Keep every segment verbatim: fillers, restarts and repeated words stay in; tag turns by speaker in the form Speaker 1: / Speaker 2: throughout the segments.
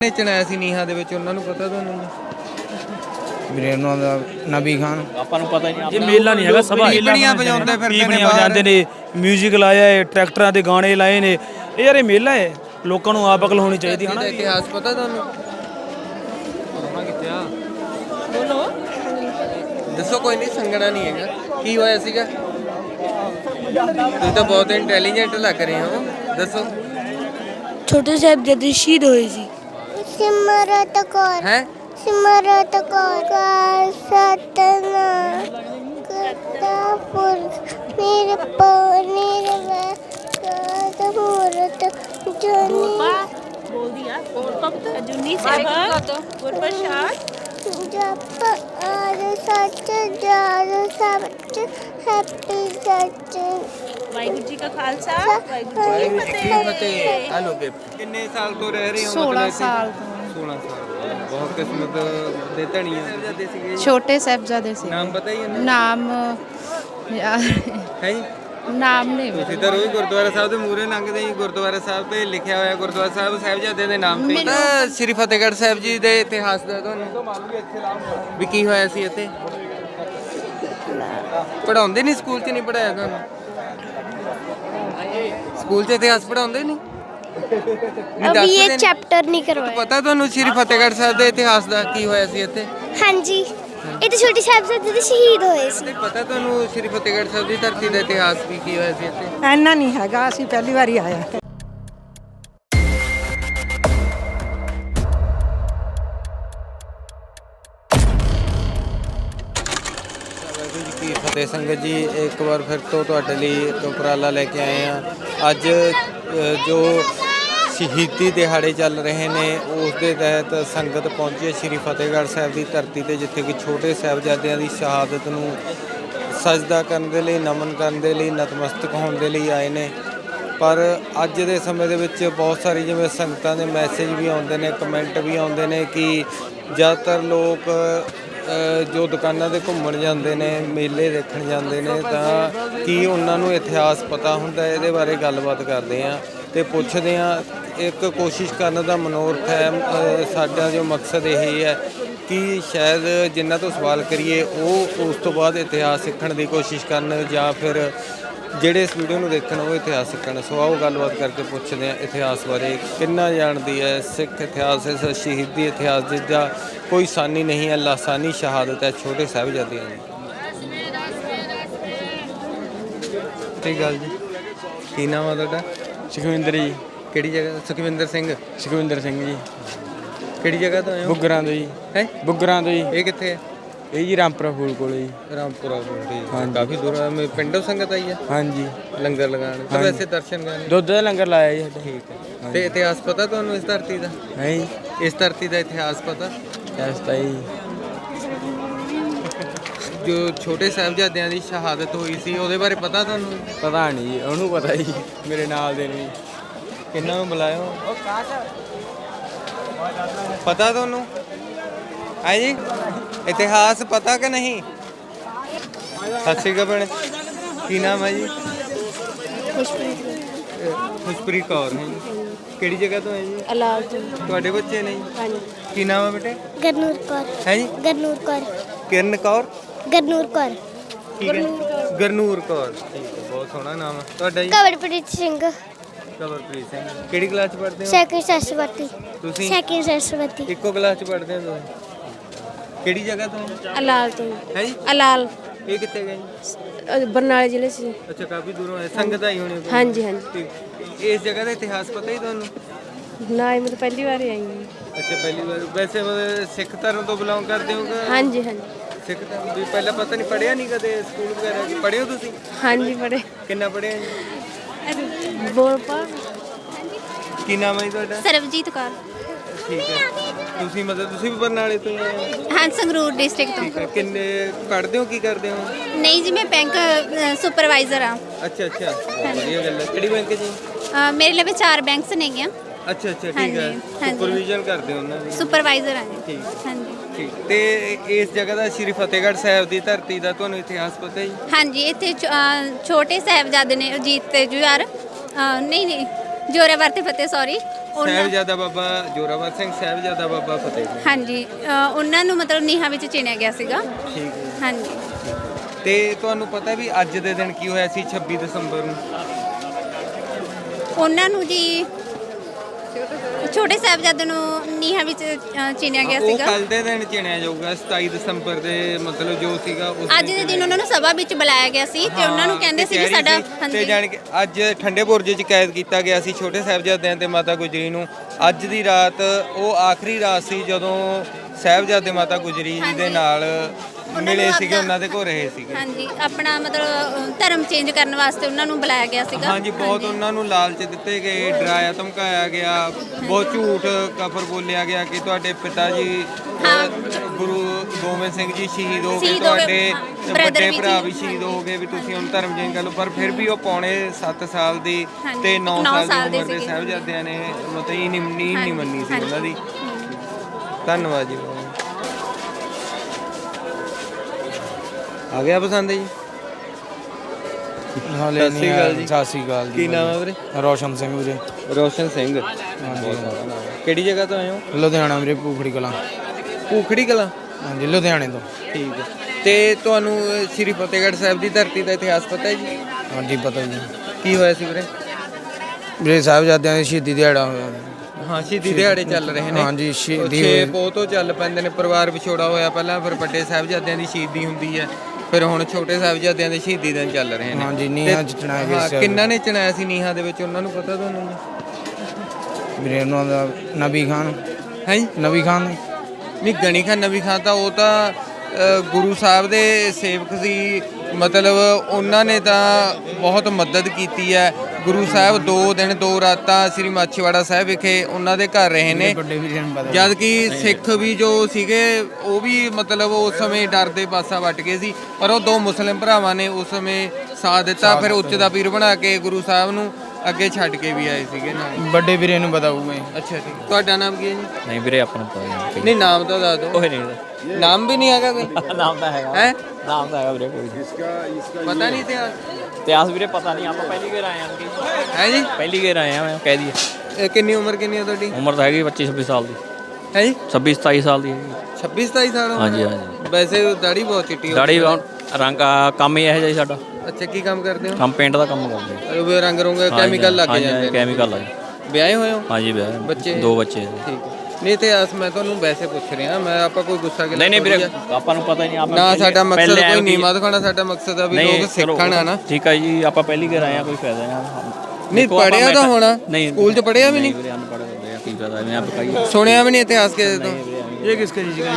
Speaker 1: ਵੇਚਣ ਆਇਆ ਸੀ ਨੀਹਾਂ ਦੇ ਵਿੱਚ, ਉਹਨਾਂ ਨੂੰ ਪਤਾ ਤੁਹਾਨੂੰ?
Speaker 2: ਵੀਰੇ ਉਹਨਾਂ ਦਾ ਨਬੀ ਖਾਨ।
Speaker 3: ਆਪਾਂ ਨੂੰ ਪਤਾ ਹੀ ਨਹੀਂ।
Speaker 4: ਇਹ ਮੇਲਾ ਨਹੀਂ ਹੈਗਾ, ਸਭਾ
Speaker 1: ਪੀਪਣੀਆਂ ਵਜਾਉਂਦੇ ਫਿਰਦੇ ਨੇ
Speaker 4: ਪੀਪਣੀਆਂ ਵਜਾਉਂਦੇ ਨੇ, ਮਿਊਜ਼ਿਕ ਲਾਇਆ ਹੈ, ਟਰੈਕਟਰਾਂ ਦੇ ਗਾਣੇ ਲਾਏ ਨੇ। ਇਹ ਯਾਰ ਇਹ ਮੇਲਾ ਹੈ, ਲੋਕਾਂ ਨੂੰ ਆਪ ਅਕਲ ਹੋਣੀ ਚਾਹੀਦੀ ਹੈ ਨਾ।
Speaker 1: ਇਤਿਹਾਸ ਪਤਾ ਤੁਹਾਨੂੰ?
Speaker 4: ਬੋਲੋ।
Speaker 1: ਦੱਸੋ। ਕੋਈ ਨਹੀਂ, ਸੰਗਣਾ ਨਹੀਂ ਹੈਗਾ। ਕੀ ਹੋਇਆ ਸੀਗਾ? ਤੁਸੀਂ ਤਾਂ ਬਹੁਤ ਇੰਟੈਲੀਜੈਂਟ ਲੱਗ ਰਹੇ ਹੋ, ਦੱਸੋ।
Speaker 5: ਛੋਟੇ ਸਾਹਿਬ ਜਦ ਸ਼ਹੀਦ ਹੋਏ ਸੀ।
Speaker 6: ਸਿਮਰਤ ਕੌਰ
Speaker 1: ਹੈ
Speaker 6: ਸਿਮਰਤ ਕੌਰ ਕਾ ਸਤਨਾਮ ਕਰਤਾ ਪੁਰਖ ਨਿਰਭਉ ਨਿਰਵੈਰ ਅਕਾਲ ਮੂਰਤ ਅਜੂਨੀ
Speaker 5: ਬੋਲਦੀ ਆ ਪੁੱਤ ਅਜੂਨੀ ਸਾਹਿਬ ਗੁਰਪ੍ਰਸਾਦ
Speaker 6: ਜਪ ਆਦ ਸੱਚ ਜਾਦ ਸੱਚ ਹੈਪੀ ਸੱਚ।
Speaker 5: ਵਾਹਿਗੁਰੂ ਜੀ ਕਾ ਖਾਲਸਾ ਵਾਹਿਗੁਰੂ ਜੀ ਕੀ ਫਤਿਹ।
Speaker 1: ਹਲੋ ਕੇ ਕਿੰਨੇ ਸਾਲ ਤੋਂ ਰਹਿ ਰਹੇ ਹੋ?
Speaker 5: ਸੋਲਾਂ ਸਾਲ ਤੋਂ।
Speaker 1: ਸੋਲਾਂ ਸਾਲ। ਬਹੁਤ ਕਿਸਮਤ ਦੇ ਧਣੀਆਂ ਜਾਂਦੇ ਸੀਗੇ।
Speaker 5: ਛੋਟੇ ਸਾਹਿਬਜ਼ਾਦੇ ਸੀ।
Speaker 1: ਨਾਮ ਪਤਾ ਹੀ ਇਹਨਾਂ
Speaker 5: ਨਾਮ ਯਾਰ
Speaker 1: ਹੈ ਜੀ?
Speaker 5: ਨਾਮ ਨਹੀਂ
Speaker 1: ਤੁਸੀਂ ਤਾਂ ਰੋਜ਼ ਗੁਰਦੁਆਰਾ ਸਾਹਿਬ ਦੇ ਮੂਹਰੇ ਲੰਘਦੇ ਹੀ, ਗੁਰਦੁਆਰਾ ਸਾਹਿਬ ਤੇ ਲਿਖਿਆ ਹੋਇਆ ਗੁਰਦੁਆਰਾ ਸਾਹਿਬ ਸਾਹਿਬਜ਼ਾਦੇ ਦੇ ਨਾਮ ਤੇ। ਤਾਂ ਸ੍ਰੀ ਫਤਿਹਗੜ੍ਹ ਸਾਹਿਬ ਜੀ ਦੇ ਇਤਿਹਾਸ ਦਾ ਤੁਹਾਨੂੰ ਵੀ ਕੀ ਹੋਇਆ ਸੀ ਇੱਥੇ? ਪੜਾਉਂਦੇ ਨਹੀਂ ਸਕੂਲ 'ਚ? ਨਹੀਂ ਪੜਾਇਆ ਤੁਹਾਨੂੰ ਸਕੂਲ 'ਚ ਇਤਿਹਾਸ ਪੜਾਉਂਦੇ ਨਹੀਂ?
Speaker 6: ਅਭੀ ਇਹ ਚੈਪਟਰ ਨਹੀਂ ਕਰਵਾਇਆ।
Speaker 1: ਪਤਾ ਤੁਹਾਨੂੰ ਸ੍ਰੀ ਫਤਿਹਗੜ੍ਹ ਸਾਹਿਬ ਦੇ ਇਤਿਹਾਸ ਦਾ ਕੀ ਹੋਇਆ ਸੀ ਇੱਥੇ?
Speaker 6: ਹਾਂਜੀ, ਇਹ ਤਾਂ ਛੋਟੇ ਸਾਹਿਬਜ਼ਾਦੇ ਦੇ ਸ਼ਹੀਦ ਹੋਏ ਸੀ।
Speaker 1: ਤੇ ਪਤਾ ਤੁਹਾਨੂੰ ਸ੍ਰੀ ਫਤਿਹਗੜ੍ਹ ਸਾਹਿਬ ਦੀ ਧਰਤੀ ਦਾ ਇਤਿਹਾਸ ਵੀ ਕੀ ਹੋਇਆ ਸੀ ਇੱਥੇ?
Speaker 7: ਇੰਨਾ ਨਹੀਂ ਹੈਗਾ, ਅਸੀਂ ਪਹਿਲੀ ਵਾਰੀ ਆਇਆ।
Speaker 1: ਵਾਹਿਗੁਰੂ ਜੀ ਕੀ ਫਤਿਹ। ਸੰਗਤ ਜੀ, ਇੱਕ ਵਾਰ ਫਿਰ ਤੋਂ ਤੁਹਾਡੇ ਲਈ ਇੱਕ ਉਪਰਾਲਾ ਲੈ ਕੇ ਆਏ ਹਾਂ। ਅੱਜ ਅ, ਜੋ ਸ਼ਹੀਦੀ ਦਿਹਾੜੇ ਚੱਲ ਰਹੇ ਨੇ, ਉਸ ਦੇ ਤਹਿਤ ਸੰਗਤ ਪਹੁੰਚੀ ਹੈ ਸ਼੍ਰੀ ਫਤਿਹਗੜ੍ਹ ਸਾਹਿਬ ਦੀ ਧਰਤੀ ਤੇ, ਜਿੱਥੇ ਕਿ ਛੋਟੇ ਸਾਹਿਬਜ਼ਾਦਿਆਂ ਦੀ ਸ਼ਹਾਦਤ ਨੂੰ ਸਜਦਾ ਕਰਨ ਦੇ ਲਈ, ਨਮਨ ਕਰਨ ਦੇ ਲਈ, ਨਤਮਸਤਕ ਹੋਣ ਦੇ ਲਈ ਆਏ ਨੇ। ਪਰ ਅੱਜ ਦੇ ਸਮੇਂ ਦੇ ਵਿੱਚ ਬਹੁਤ ਸਾਰੀ ਜਿਵੇਂ ਸੰਗਤਾਂ ਦੇ ਮੈਸੇਜ ਵੀ ਆਉਂਦੇ ਨੇ, ਕਮੈਂਟ ਵੀ ਆਉਂਦੇ ਨੇ ਕਿ ਜ਼ਿਆਦਾਤਰ ਲੋਕ ਜੋ ਦੁਕਾਨਾਂ 'ਤੇ ਘੁੰਮਣ ਜਾਂਦੇ ਨੇ, ਮੇਲੇ ਦੇਖਣ ਜਾਂਦੇ ਨੇ, ਤਾਂ ਕੀ ਉਹਨਾਂ ਨੂੰ ਇਤਿਹਾਸ ਪਤਾ ਹੁੰਦਾ? ਇਹਦੇ ਬਾਰੇ ਗੱਲਬਾਤ ਕਰਦੇ ਹਾਂ ਤੇ ਪੁੱਛਦੇ ਹਾਂ। ਇੱਕ ਕੋਸ਼ਿਸ਼ ਕਰਨ ਦਾ ਮਨੋਰਥ ਹੈ, ਸਾਡਾ ਜੋ ਮਕਸਦ ਇਹ ਹੈ ਕਿ ਸ਼ਾਇਦ ਜਿਨ੍ਹਾਂ ਤੋਂ ਸਵਾਲ ਕਰੀਏ ਉਹ ਉਸ ਤੋਂ ਬਾਅਦ ਇਤਿਹਾਸ ਸਿੱਖਣ ਦੀ ਕੋਸ਼ਿਸ਼ ਕਰਨ, ਜਾਂ ਫਿਰ ਜਿਹੜੇ ਇਸ ਵੀਡੀਓ ਨੂੰ ਦੇਖਣ ਉਹ ਇਤਿਹਾਸ ਸਿੱਖਣ। ਸੋ ਆਓ ਗੱਲਬਾਤ ਕਰਕੇ ਪੁੱਛਦੇ ਹਾਂ ਇਤਿਹਾਸ ਬਾਰੇ। ਕਿੰਨਾ ਜਾਣਦੀ ਹੈ ਸਿੱਖ ਇਤਿਹਾਸ, ਇਸ ਸ਼ਹੀਦੀ ਇਤਿਹਾਸ ਜਿਸਦਾ ਕੋਈ ਸਾਨੀ ਨਹੀਂ ਹੈ, ਲਾਸਾਨੀ ਸ਼ਹਾਦਤ ਹੈ ਛੋਟੇ ਸਾਹਿਬਜ਼ਾਦਿਆਂ ਦੀ। ਠੀਕ ਗੱਲ ਜੀ। ਕੀ ਨਾਮ ਆ ਤੁਹਾਡਾ?
Speaker 4: ਸੁਖਵਿੰਦਰ ਜੀ।
Speaker 1: ਕਿਹੜੀ ਜਗ੍ਹਾ? ਸੁਖਵਿੰਦਰ ਸਿੰਘ।
Speaker 4: ਸੁਖਵਿੰਦਰ ਸਿੰਘ ਜੀ।
Speaker 1: ਕਿਹੜੀ ਜਗ੍ਹਾ ਤੋਂ ਆਏ ਹੋ?
Speaker 4: ਬੁੱਗਰਾਂ ਤੋਂ ਜੀ।
Speaker 1: ਹੈ
Speaker 4: ਬੁੱਗਰਾਂ ਤੋਂ ਜੀ।
Speaker 1: ਇਹ ਕਿੱਥੇ ਹੈ?
Speaker 4: ਇਹ ਜੀ ਰਾਮਪੁਰਾ ਫੂਲ ਕੋਲ ਜੀ।
Speaker 1: ਰਾਮਪੁਰਾ ਕੋਲ। ਠੀਕ।
Speaker 4: ਹਾਂਜੀ।
Speaker 1: ਕਾਫੀ ਦੂਰ ਆ। ਮੈਂ ਪਿੰਡੋਂ ਸੰਗਤ ਆਈ ਹੈ
Speaker 4: ਹਾਂਜੀ।
Speaker 1: ਲੰਗਰ ਲਗਾਉਣ ਤੇ, ਵੈਸੇ ਦਰਸ਼ਨ ਕਰਨ।
Speaker 4: ਦੁੱਧ ਦਾ ਲੰਗਰ ਲਾਇਆ ਜੀ ਸਾਡਾ।
Speaker 1: ਠੀਕ ਹੈ। ਤੇ ਇਤਿਹਾਸ ਪਤਾ ਤੁਹਾਨੂੰ ਇਸ ਧਰਤੀ ਦਾ?
Speaker 4: ਹੈ ਜੀ।
Speaker 1: ਇਸ ਧਰਤੀ ਦਾ ਇਤਿਹਾਸ ਪਤਾ?
Speaker 4: ਐਸਤਾ ਜੀ।
Speaker 1: ਜੋ ਛੋਟੇ ਸਾਹਿਬਜ਼ਾਦਿਆਂ ਦੀ ਸ਼ਹਾਦਤ ਹੋਈ ਸੀ, ਉਹਦੇ ਬਾਰੇ ਪਤਾ ਤੁਹਾਨੂੰ?
Speaker 4: ਪਤਾ ਨਹੀਂ ਜੀ, ਉਹਨੂੰ ਪਤਾ ਜੀ, ਮੇਰੇ ਨਾਲ ਦੇ ਨੂੰ।
Speaker 1: ਕਿੰਨਾ ਨੂੰ ਬੁਲਾਇਓ? ਪਤਾ ਤੁਹਾਨੂੰ ਹੈ ਜੀ? ਇਤਿਹਾਸ ਪਤਾ ਕਿ ਨਹੀਂ? ਸਤਿ ਸ਼੍ਰੀ ਅਕਾਲ ਭੈਣੇ। ਕੀ ਨਾਮ ਹੈ ਜੀ? ਖੁਸ਼ਪ੍ਰੀਤ ਕੌਰ ਹੈ ਜੀ। ਕਿਹੜੀ ਜਗ੍ਹਾ ਤੋਂ ਹੈ ਜੀ?
Speaker 5: ਅਲਾਲ ਤੋਂ।
Speaker 1: ਤੁਹਾਡੇ ਬੱਚੇ ਨੇ ਜੀ?
Speaker 5: ਹਾਂਜੀ।
Speaker 1: ਕੀ ਨਾਮ ਹੈ ਬੇਟੇ?
Speaker 6: ਗਰਨੂਰ ਕੌਰ
Speaker 1: ਹੈ ਜੀ?
Speaker 6: ਗਰਨੂਰ ਕੌਰ
Speaker 1: ਕਿਰਨ ਕੌਰ।
Speaker 6: ਗਰਨੂਰ ਕੌਰ
Speaker 1: ਠੀਕ ਹੈ। ਗਰਨੂਰ ਕੌਰ। ਠੀਕ ਹੈ, ਬਹੁਤ ਸੋਹਣਾ ਨਾਮ ਹੈ ਤੁਹਾਡਾ ਜੀ।
Speaker 6: ਕਵਰਪ੍ਰੀਤ ਸਿੰਘ
Speaker 1: ਕਵਰਪ੍ਰੀਤ ਸਿੰਘ। ਕਿਹੜੀ ਕਲਾਸ 'ਚ ਪੜ੍ਹਦੇ ਹੋ
Speaker 6: ਸੈਕਿੰਡ ਸਰਸਵਤੀ
Speaker 1: ਤੁਸੀਂ?
Speaker 6: ਸੈਕਿੰਡ ਸਰਸਵਤੀ
Speaker 1: ਇੱਕੋ ਕਲਾਸ 'ਚ ਪੜ੍ਹਦੇ ਹੋ ਤੁਸੀਂ? ਕਿਹੜੀ ਜਗ੍ਹਾ ਤੋਂ?
Speaker 5: ਅਲਾਲ ਤੋਂ।
Speaker 1: ਹੈ ਜੀ?
Speaker 5: ਅਲਾਲ
Speaker 1: ਇਹ ਕਿੱਥੇ ਗਏ ਜੀ?
Speaker 5: ਬਰਨਾਲੇ ਜ਼ਿਲ੍ਹੇ ਸੀ।
Speaker 1: ਅੱਛਾ, ਕਾਫੀ ਦੂਰੋਂ ਆਏ। ਸੰਗਤ ਆਈ ਹੋਣੀ?
Speaker 5: ਹਾਂਜੀ ਹਾਂਜੀ।
Speaker 1: ਠੀਕ। ਇਸ ਜਗ੍ਹਾ ਦਾ ਇਤਿਹਾਸ ਪਤਾ ਹੀ ਤੁਹਾਨੂੰ?
Speaker 5: ਨਾ, ਮੈਂ ਤਾਂ ਪਹਿਲੀ ਵਾਰ ਆਈ ਹਾਂ।
Speaker 1: ਅੱਛਾ, ਪਹਿਲੀ ਵਾਰ। ਵੈਸੇ ਮਤਲਬ ਸਿੱਖ ਧਰਮ ਤੋਂ ਬਿਲੋਂਗ ਕਰਦੇ ਹੋ ਕਿ?
Speaker 5: ਹਾਂਜੀ ਹਾਂਜੀ।
Speaker 1: ਸਿੱਖ ਧਰਮ ਵੀ ਪਹਿਲਾਂ ਪਤਾ ਨਹੀਂ, ਪੜ੍ਹਿਆ ਨਹੀਂ ਕਦੇ ਸਕੂਲ ਵਗੈਰਾ? ਕੀ ਪੜ੍ਹੇ ਹੋ ਤੁਸੀਂ?
Speaker 5: ਹਾਂਜੀ ਪੜ੍ਹੇ।
Speaker 1: ਕਿੰਨਾ ਪੜ੍ਹੇ ਜੀ?
Speaker 5: ਬੋਲ ਪਾ।
Speaker 1: ਕੀ ਨਾਮ ਹੈ ਜੀ ਤੁਹਾਡਾ?
Speaker 8: ਸਰਬਜੀਤ ਕੌਰ।
Speaker 1: ਠੀਕ ਹੈ। ਤੁਸੀਂ ਮਤਲਬ ਤੁਸੀਂ ਵੀ ਬਰਨਾਲੇ ਤੋਂ ਹੀ ਆਏ ਹੋ?
Speaker 8: ਹਾਂ, ਸੰਗਰੂਰ ਡਿਸਟ੍ਰਿਕਟ
Speaker 1: ਠੀਕ
Speaker 8: ਤੋਂ।
Speaker 1: ਹੈ। ਕਿੰਨੇ ਪੜ੍ਹਦੇ ਹੋ? ਕੀ ਕਰਦੇ ਹੋ?
Speaker 8: ਨਹੀਂ ਜੀ, ਮੈਂ ਬੈਂਕ ਸੁਪਰਵਾਈਜ਼ਰ ਆ।
Speaker 1: ਅੱਛਾ ਅੱਛਾ, ਬਹੁਤ ਵਧੀਆ ਗੱਲ ਹੈ। ਕਿਹੜੀ ਬੈਂਕ ਜੀ?
Speaker 8: ਮੇਰੇ ਲਈ ਚਾਰ ਬੈਂਕਸ ਨੇਗੀਆਂ।
Speaker 1: ਅੱਛਾ ਅੱਛਾ, ਠੀਕ
Speaker 8: ਹਾਂਜੀ,
Speaker 1: ਹੈ।
Speaker 8: ਹਾਂਜੀ।
Speaker 1: ਸੁਪਰਵਿਜ਼ਨ ਕਰਦੇ ਹੋ ਉਹਨਾਂ ਦੀ?
Speaker 8: ਸੁਪਰਵਾਈਜ਼ਰ ਆ ਜੀ।
Speaker 1: ਠੀਕ।
Speaker 8: ਹਾਂਜੀ
Speaker 1: ਠੀਕ। ਤੇ ਇਸ ਜਗ੍ਹਾ ਦਾ ਸ਼੍ਰੀ ਫਤਿਹਗੜ੍ਹ ਸਾਹਿਬ ਦੀ ਧਰਤੀ ਦਾ ਤੁਹਾਨੂੰ ਇਤਿਹਾਸ ਪਤਾ ਜੀ?
Speaker 8: ਹਾਂਜੀ। ਇੱਥੇ ਛ- ਅ, ਛੋਟੇ ਸਾਹਿਬਜ਼ਾਦੇ ਨੇ, ਅਜੀਤ ਤੇ ਜੁਝਾਰ, ਅ, ਨਹੀਂ ਨਹੀਂ ਜ਼ੋਰਾਵਰ ਤੇ ਫਤਿਹ, ਸੌਰੀ,
Speaker 1: ਸਾਹਿਬਜ਼ਾਦਾ ਬਾਬਾ ਜੋਰਾਵਰ ਸਿੰਘ, ਸਾਹਿਬਜ਼ਾਦਾ ਬਾਬਾ ਫਤਿਹ ਸਿੰਘ।
Speaker 8: ਹਾਂਜੀ ਅ, ਉਹਨਾਂ ਨੂੰ ਮਤਲਬ ਨੀਹਾਂ ਵਿੱਚ ਚਿਣਿਆ ਗਿਆ ਸੀਗਾ।
Speaker 1: ਠੀਕ ਹੈ।
Speaker 8: ਹਾਂਜੀ
Speaker 1: ਤੇ ਤੁਹਾਨੂੰ ਪਤਾ ਵੀ ਅੱਜ ਦੇ ਦਿਨ ਕੀ ਹੋਇਆ ਸੀ ਛੱਬੀ ਦਸੰਬਰ ਨੂੰ?
Speaker 8: ਉਹਨਾਂ ਨੂੰ ਜੀ ਛੋਟੇ ਸਾਹਿਬਜ਼ਾਦੇ ਨੂੰ ਨੀਹਾਂ ਵਿੱਚ ਅ, ਚਿਣਿਆ ਗਿਆ
Speaker 1: ਉਹ
Speaker 8: ਸੀਗਾ।
Speaker 1: ਕੱਲ ਦੇ ਦਿਨ ਚਿਣਿਆ ਜਾਊਗਾ ਸਤਾਈ ਦਸੰਬਰ ਦੇ, ਮਤਲਬ ਜੋ ਸੀਗਾ ਉਸ
Speaker 8: ਅੱਜ ਦੇ ਦਿਨ ਉਹਨਾਂ ਨੂੰ ਸਭਾ ਵਿੱਚ ਬੁਲਾਇਆ ਗਿਆ ਸੀ ਤੇ ਉਹਨਾਂ ਨੂੰ ਕਹਿੰਦੇ ਸੀ ਵੀ ਸਾਡਾ
Speaker 1: ਤੇ
Speaker 8: ਹਾਂਜੀ
Speaker 1: ਜਾਣ ਕੇ ਅੱਜ ਠੰਡੇ ਬੁਰਜ 'ਚ ਕੈਦ ਕੀਤਾ ਗਿਆ ਸੀ ਛੋਟੇ ਸਾਹਿਬਜ਼ਾਦਿਆਂ ਤੇ ਮਾਤਾ ਗੁਜਰੀ ਨੂੰ। ਅੱਜ ਦੀ ਰਾਤ ਉਹ ਆਖਰੀ ਰਾਤ ਸੀ ਜਦੋਂ ਸਾਹਿਬਜ਼ਾਦੇ ਮਾਤਾ ਗੁਜਰੀ ਜੀ ਦੇ ਨਾਲ
Speaker 8: ਉਹਨਾਂ
Speaker 1: ਮਿਲੇ
Speaker 8: ਨੂੰ
Speaker 1: ਸੀਗੇ,
Speaker 8: ਆਪਦਾ-
Speaker 1: ਉਹਨਾਂ ਦੇ ਘਰ ਰਹੇ ਸੀਗੇ।
Speaker 8: ਹਾਂਜੀ ਆਪਣਾ ਮਤਲਬ ਅ, ਧਰਮ ਚੇਂਜ ਕਰਨ ਵਾਸਤੇ ਉਹਨਾਂ ਨੂੰ ਬੁਲਾਇਆ ਗਿਆ ਸੀਗਾ।
Speaker 1: ਹਾਂਜੀ, ਬਹੁਤ ਉਹਨਾਂ ਨੂੰ ਲਾਲਚ ਦਿੱਤੇ ਗਏ, ਡਰਾਇਆ ਧਮਕਾਇਆ ਗਿਆ, ਬਹੁਤ ਝੂਠ ਕਫਰ ਬੋਲਿਆ ਗਿਆ ਕਿ ਤੁਹਾਡੇ ਪਿਤਾ ਜੀ
Speaker 8: ਹਾਂ।
Speaker 1: ਅ, ਗੁਰੂ ਗੋਬਿੰਦ ਸਿੰਘ ਜੀ ਸ਼ਹੀਦ ਹੋ ਗਏ,
Speaker 8: ਸ਼ਹੀਦ ਹੋ ਗਏ,
Speaker 1: ਤੁਹਾਡੇ
Speaker 8: ਹਾਂ, brother
Speaker 1: ਵੱਡੇ
Speaker 8: ਵੀ
Speaker 1: ਭਰਾ
Speaker 8: ਜੀ।
Speaker 1: ਵੀ ਸ਼ਹੀਦ ਹੋ ਗਏ, ਵੀ ਤੁਸੀਂ ਹੁਣ ਧਰਮ ਚੇਂਜ ਕਰ ਲਓ। ਪਰ ਫਿਰ ਵੀ ਉਹ ਪੌਣੇ ਸੱਤ ਸਾਲ ਦੀ
Speaker 8: ਹਾਂਜੀ,
Speaker 1: ਤੇ ਨੌ
Speaker 8: ਨੌ
Speaker 1: ਸਾਲ
Speaker 8: ਸਾਲ
Speaker 1: ਦੀ
Speaker 8: ਦੇ
Speaker 1: ਉਮਰ ਦੇ
Speaker 8: ਸੀਗੇ।
Speaker 1: ਸਾਹਿਬਜ਼ਾਦਿਆਂ ਨੇ ਮਤਲਬ ਇਹ ਨਹੀਂ ਨਹੀਂ
Speaker 8: ਹਾਂਜੀ,
Speaker 1: ਮੰਨੀ ਸੀ
Speaker 8: ਹਾਂਜੀ।
Speaker 1: ਉਹਨਾਂ ਦੀ। ਧੰਨਵਾਦ ਜੀ। ਆ ਗਿਆ ਪਸੰਦ ਜੀ?
Speaker 2: ਹਾਲੇ
Speaker 1: ਸਤਿ
Speaker 2: ਨਹੀਂ
Speaker 1: ਸ਼੍ਰੀ ਅਕਾਲ ਜੀ।
Speaker 2: ਸਤਿ ਸ਼੍ਰੀ ਅਕਾਲ ਜੀ।
Speaker 1: ਕੀ ਨਾਮ ਹੈ ਵੀਰੇ?
Speaker 2: ਰੋਸ਼ਨ ਸਿੰਘ ਵੀਰੇ।
Speaker 1: ਰੋਸ਼ਨ ਸਿੰਘ।
Speaker 2: ਹਾਂਜੀ
Speaker 1: ਕਿਹੜੀ ਜਗ੍ਹਾ ਤੋਂ ਆਏ ਹੋ?
Speaker 2: ਲੁਧਿਆਣਾ ਵੀਰੇ, ਭੂਖੜੀ ਕਲਾਂ।
Speaker 1: ਭੂਖੜੀ ਕਲਾਂ।
Speaker 2: ਹਾਂਜੀ ਲੁਧਿਆਣੇ ਤੋਂ।
Speaker 1: ਠੀਕ ਹੈ। ਤੇ ਤੁਹਾਨੂੰ ਸ੍ਰੀ ਫਤਿਹਗੜ੍ਹ ਸਾਹਿਬ ਦੀ ਧਰਤੀ ਦਾ ਇਤਿਹਾਸ ਪਤਾ ਹੈ ਜੀ?
Speaker 2: ਹਾਂਜੀ ਪਤਾ ਜੀ।
Speaker 1: ਕੀ ਹੋਇਆ ਸੀ ਵੀਰੇ?
Speaker 2: ਵੀਰੇ ਸਾਹਿਬਜ਼ਾਦਿਆਂ ਦੀ ਸ਼ਹੀਦੀ ਦਿਹਾੜਾ ਹੋਇਆ।
Speaker 1: ਹਾਂ, ਸ਼ਹੀਦੀ ਦਿਹਾੜੇ ਚੱਲ ਰਹੇ ਨੇ।
Speaker 2: ਹਾਂਜੀ, ਸ਼ਹੀਦੀ
Speaker 1: ਛੇ
Speaker 2: ਹੋਈ।
Speaker 1: ਪੋਹ ਤੋਂ ਚੱਲ ਪੈਂਦੇ ਨੇ। ਪਰਿਵਾਰ ਵਿਛੋੜਾ ਹੋਇਆ ਪਹਿਲਾਂ, ਫਿਰ ਵੱਡੇ ਸਾਹਿਬਜ਼ਾਦਿਆਂ ਦੀ ਸ਼ਹੀਦੀ ਹੁੰਦੀ ਹੈ, ਫਿਰ ਹੁਣ ਛੋਟੇ ਸਾਹਿਬਜ਼ਾਦਿਆਂ ਦੇ ਸ਼ਹੀਦੀ ਦਿਨ ਚੱਲ ਰਹੇ ਨੇ।
Speaker 2: ਹਾਂਜੀ, ਨੀਹਾਂ 'ਚ
Speaker 1: ਤੇ-
Speaker 2: ਚਿਣਾਏ ਗਏ
Speaker 1: ਹਾਂ,
Speaker 2: ਸੀ।
Speaker 1: ਕਿੰਨਾਂ ਨੇ ਚਿਣਾਇਆ ਸੀ ਨੀਹਾਂ ਦੇ ਵਿੱਚ, ਉਹਨਾਂ ਨੂੰ ਪਤਾ ਤੁਹਾਨੂੰ?
Speaker 2: ਵੀਰੇ ਉਹਨਾਂ ਦਾ ਨਬੀ ਖਾਨ।
Speaker 1: ਹੈ ਜੀ?
Speaker 2: ਨਬੀ ਖਾਨ
Speaker 1: ਨਹੀਂ, ਗਣੀ ਖਾਨ ਨਬੀ ਖਾਨ ਤਾਂ ਉਹ ਤਾਂ ਅ, ਗੁਰੂ ਸਾਹਿਬ ਦੇ ਸੇਵਕ ਸੀ। ਮਤਲਬ ਉਹਨਾਂ ਨੇ ਤਾਂ ਬਹੁਤ ਮਦਦ ਕੀਤੀ ਹੈ। ਗੁਰੂ ਸਾਹਿਬ ਦੋ ਦਿਨ ਦੋ ਰਾਤਾਂ ਸ੍ਰੀ ਮਾਛੀਵਾੜਾ ਸਾਹਿਬ ਵਿਖੇ ਉਹਨਾਂ ਦੇ ਘਰ ਰਹੇ ਨੇ,
Speaker 2: ਵੱਡੇ ਵੀਰੇ ਨੂੰ ਪਤਾ।
Speaker 1: ਜਦ ਕਿ ਸਿੱਖ ਵੀ ਜੋ ਸੀਗੇ ਉਹ ਵੀ ਮਤਲਬ ਉਸ ਸਮੇਂ ਡਰ ਦੇ ਪਾਸਾ ਵੱਟ ਗਏ ਸੀ। ਪਰ ਉਹ ਦੋ ਮੁਸਲਿਮ ਭਰਾਵਾਂ ਨੇ ਉਸ ਸਮੇਂ ਸਾਥ ਦਿੱਤਾ, ਫਿਰ ਉੱਚ ਦਾ ਪੀਰ ਬਣਾ ਕੇ ਗੁਰੂ ਸਾਹਿਬ ਨੂੰ ਅੱਗੇ ਛੱਡ ਕੇ ਵੀ ਆਏ ਸੀਗੇ ਨਾਲ।
Speaker 2: ਵੱਡੇ ਵੀਰੇ ਨੂੰ ਪਤਾ ਹੋਊਗਾ ਜੀ।
Speaker 1: ਅੱਛਾ ਠੀਕ। ਤੁਹਾਡਾ ਨਾਮ ਕੀ ਹੈ ਜੀ?
Speaker 3: ਨਹੀਂ ਵੀਰੇ ਆਪਾਂ ਨੂੰ ਪਤਾ ਨਹੀਂ।
Speaker 1: ਨਹੀਂ, ਨਾਮ ਤਾਂ ਦੱਸ ਦਿਓ।
Speaker 3: ਕੋਈ ਨਹੀਂ,
Speaker 1: ਨਾਮ ਵੀ ਨਹੀਂ ਹੈਗਾ ਕੋਈ?
Speaker 3: ਨਾਮ ਤਾਂ ਹੈਗਾ।
Speaker 1: ਹੈ
Speaker 3: ਨਾਮ ਤਾਂ ਹੈਗਾ ਵੀਰੇ ਕੋਈ ਨਹੀਂ।
Speaker 1: ਪਤਾ ਨਹੀਂ ਤੇ
Speaker 3: ਇਤਿਹਾਸ ਵੀਰੇ ਪਤਾ ਨਹੀਂ, ਆਪਾਂ ਪਹਿਲੀ ਵਾਰ ਆਏ ਹਾਂ।
Speaker 1: ਹੈ ਜੀ?
Speaker 3: ਪਹਿਲੀ ਵਾਰ ਆਏ ਆ, ਮੈਂ ਕਹਿ ਦਈਏ।
Speaker 1: ਇਹ ਕਿੰਨੀ ਉਮਰ ਕਿੰਨੀ ਹੈ ਤੁਹਾਡੀ?
Speaker 3: ਉਮਰ ਤਾਂ ਹੈਗੀ ਪੱਚੀ ਛੱਬੀ ਸਾਲ ਦੀ।
Speaker 1: ਹੈ ਜੀ?
Speaker 3: ਛੱਬੀ ਸਤਾਈ ਸਾਲ ਦੀ ਹੈਗੀ।
Speaker 1: ਛੱਬੀ ਸਤਾਈ ਸਾਲ ਉਮਰ?
Speaker 3: ਹਾਂਜੀ ਹਾਂਜੀ।
Speaker 1: ਵੈਸੇ ਦਾੜੀ ਬਹੁਤ ਚਿੱਟੀ ਹੋ
Speaker 3: ਦਾੜੀ
Speaker 1: ਗਈ।
Speaker 3: ਰੰਗ ਆ, ਕੰਮ ਹੀ ਇਹੋ ਜਿਹਾ ਜੀ ਸਾਡਾ।
Speaker 1: ਅੱਛਾ, ਕੀ ਕੰਮ ਕਰਦੇ ਹੋ?
Speaker 3: ਕੰਮ ਪੇਂਟ ਦਾ ਕੰਮ ਕਰਦੇ
Speaker 1: ਉਹ ਰੰਗ ਰੋਂਗ ਕੈਮੀਕਲ ਲੱਗ ਜਾਂਦੇ ਨੇ।
Speaker 3: ਕੈਮੀਕਲ ਆ ਜੀ।
Speaker 1: ਵਿਆਹੇ ਹੋਏ ਹੋ?
Speaker 3: ਹਾਂਜੀ ਵਿਆਹ
Speaker 1: ਬੱਚੇ?
Speaker 3: ਦੋ ਬੱਚੇ ਜੀ।
Speaker 1: ਠੀਕ ਹੈ। ਨਹੀਂ ਤੇ ਅਸ ਮੈਂ ਤੁਹਾਨੂੰ ਵੈਸੇ ਪੁੱਛ ਰਿਹਾ, ਮੈਂ ਆਪਾਂ ਕੋਈ ਗੁੱਸਾ ਗਿਲਾ
Speaker 3: ਨਹੀਂ ਨਹੀਂ ਵੀਰੇ,
Speaker 1: ਥੋੜ੍ਹੀ ਆ।
Speaker 3: ਆਪਾਂ ਨੂੰ ਪਤਾ ਹੀ ਨਹੀਂ। ਆਪਾਂ
Speaker 1: ਨਾ
Speaker 3: ਪਹਿਲੀ-
Speaker 1: ਸਾਡਾ ਮਕਸਦ
Speaker 3: ਪਹਿਲੇ ਆਏ
Speaker 1: ਕੋਈ
Speaker 3: ਕਿ-
Speaker 1: ਨੀਵਾਂ ਦਿਖਾਉਣਾ, ਸਾਡਾ ਮਕਸਦ ਆ ਵੀ
Speaker 3: ਨਹੀਂ,
Speaker 1: ਲੋਕ
Speaker 3: ਚਲੋ,
Speaker 1: ਸਿੱਖਣ ਆ ਨਾ।
Speaker 3: ਠੀਕ ਹੈ ਜੀ, ਆਪਾਂ ਪਹਿਲੀ ਵਾਰ ਆਏ ਆ, ਕੋਈ ਫਾਇਦਾ ਨਹੀਂ।
Speaker 1: ਨਹੀਂ,
Speaker 3: ਦੇਖੋ, ਆਪਾਂ
Speaker 1: ਪੜ੍ਹਿਆ ਤਾਂ
Speaker 3: ਮੈਂ-
Speaker 1: ਹੋਣਾ।
Speaker 3: ਨਹੀਂ,
Speaker 1: ਸਕੂਲ 'ਚ ਪੜ੍ਹਿਆ ਵੀ ਨਹੀਂ?
Speaker 3: ਵੀਰੇ ਅਨਪੜ੍ਹ ਹੁੰਦੇ ਆ, ਕੀ ਫਾਇਦਾ ਐਵੇਂ ਆਪ ਕਹੀਏ।
Speaker 1: ਸੁਣਿਆ ਵੀ ਨਹੀਂ ਇਤਿਹਾਸ ਕਿਸੇ ਤੋਂ?
Speaker 4: ਇਹ ਕਿਸ ਕਰੀ ਜੀ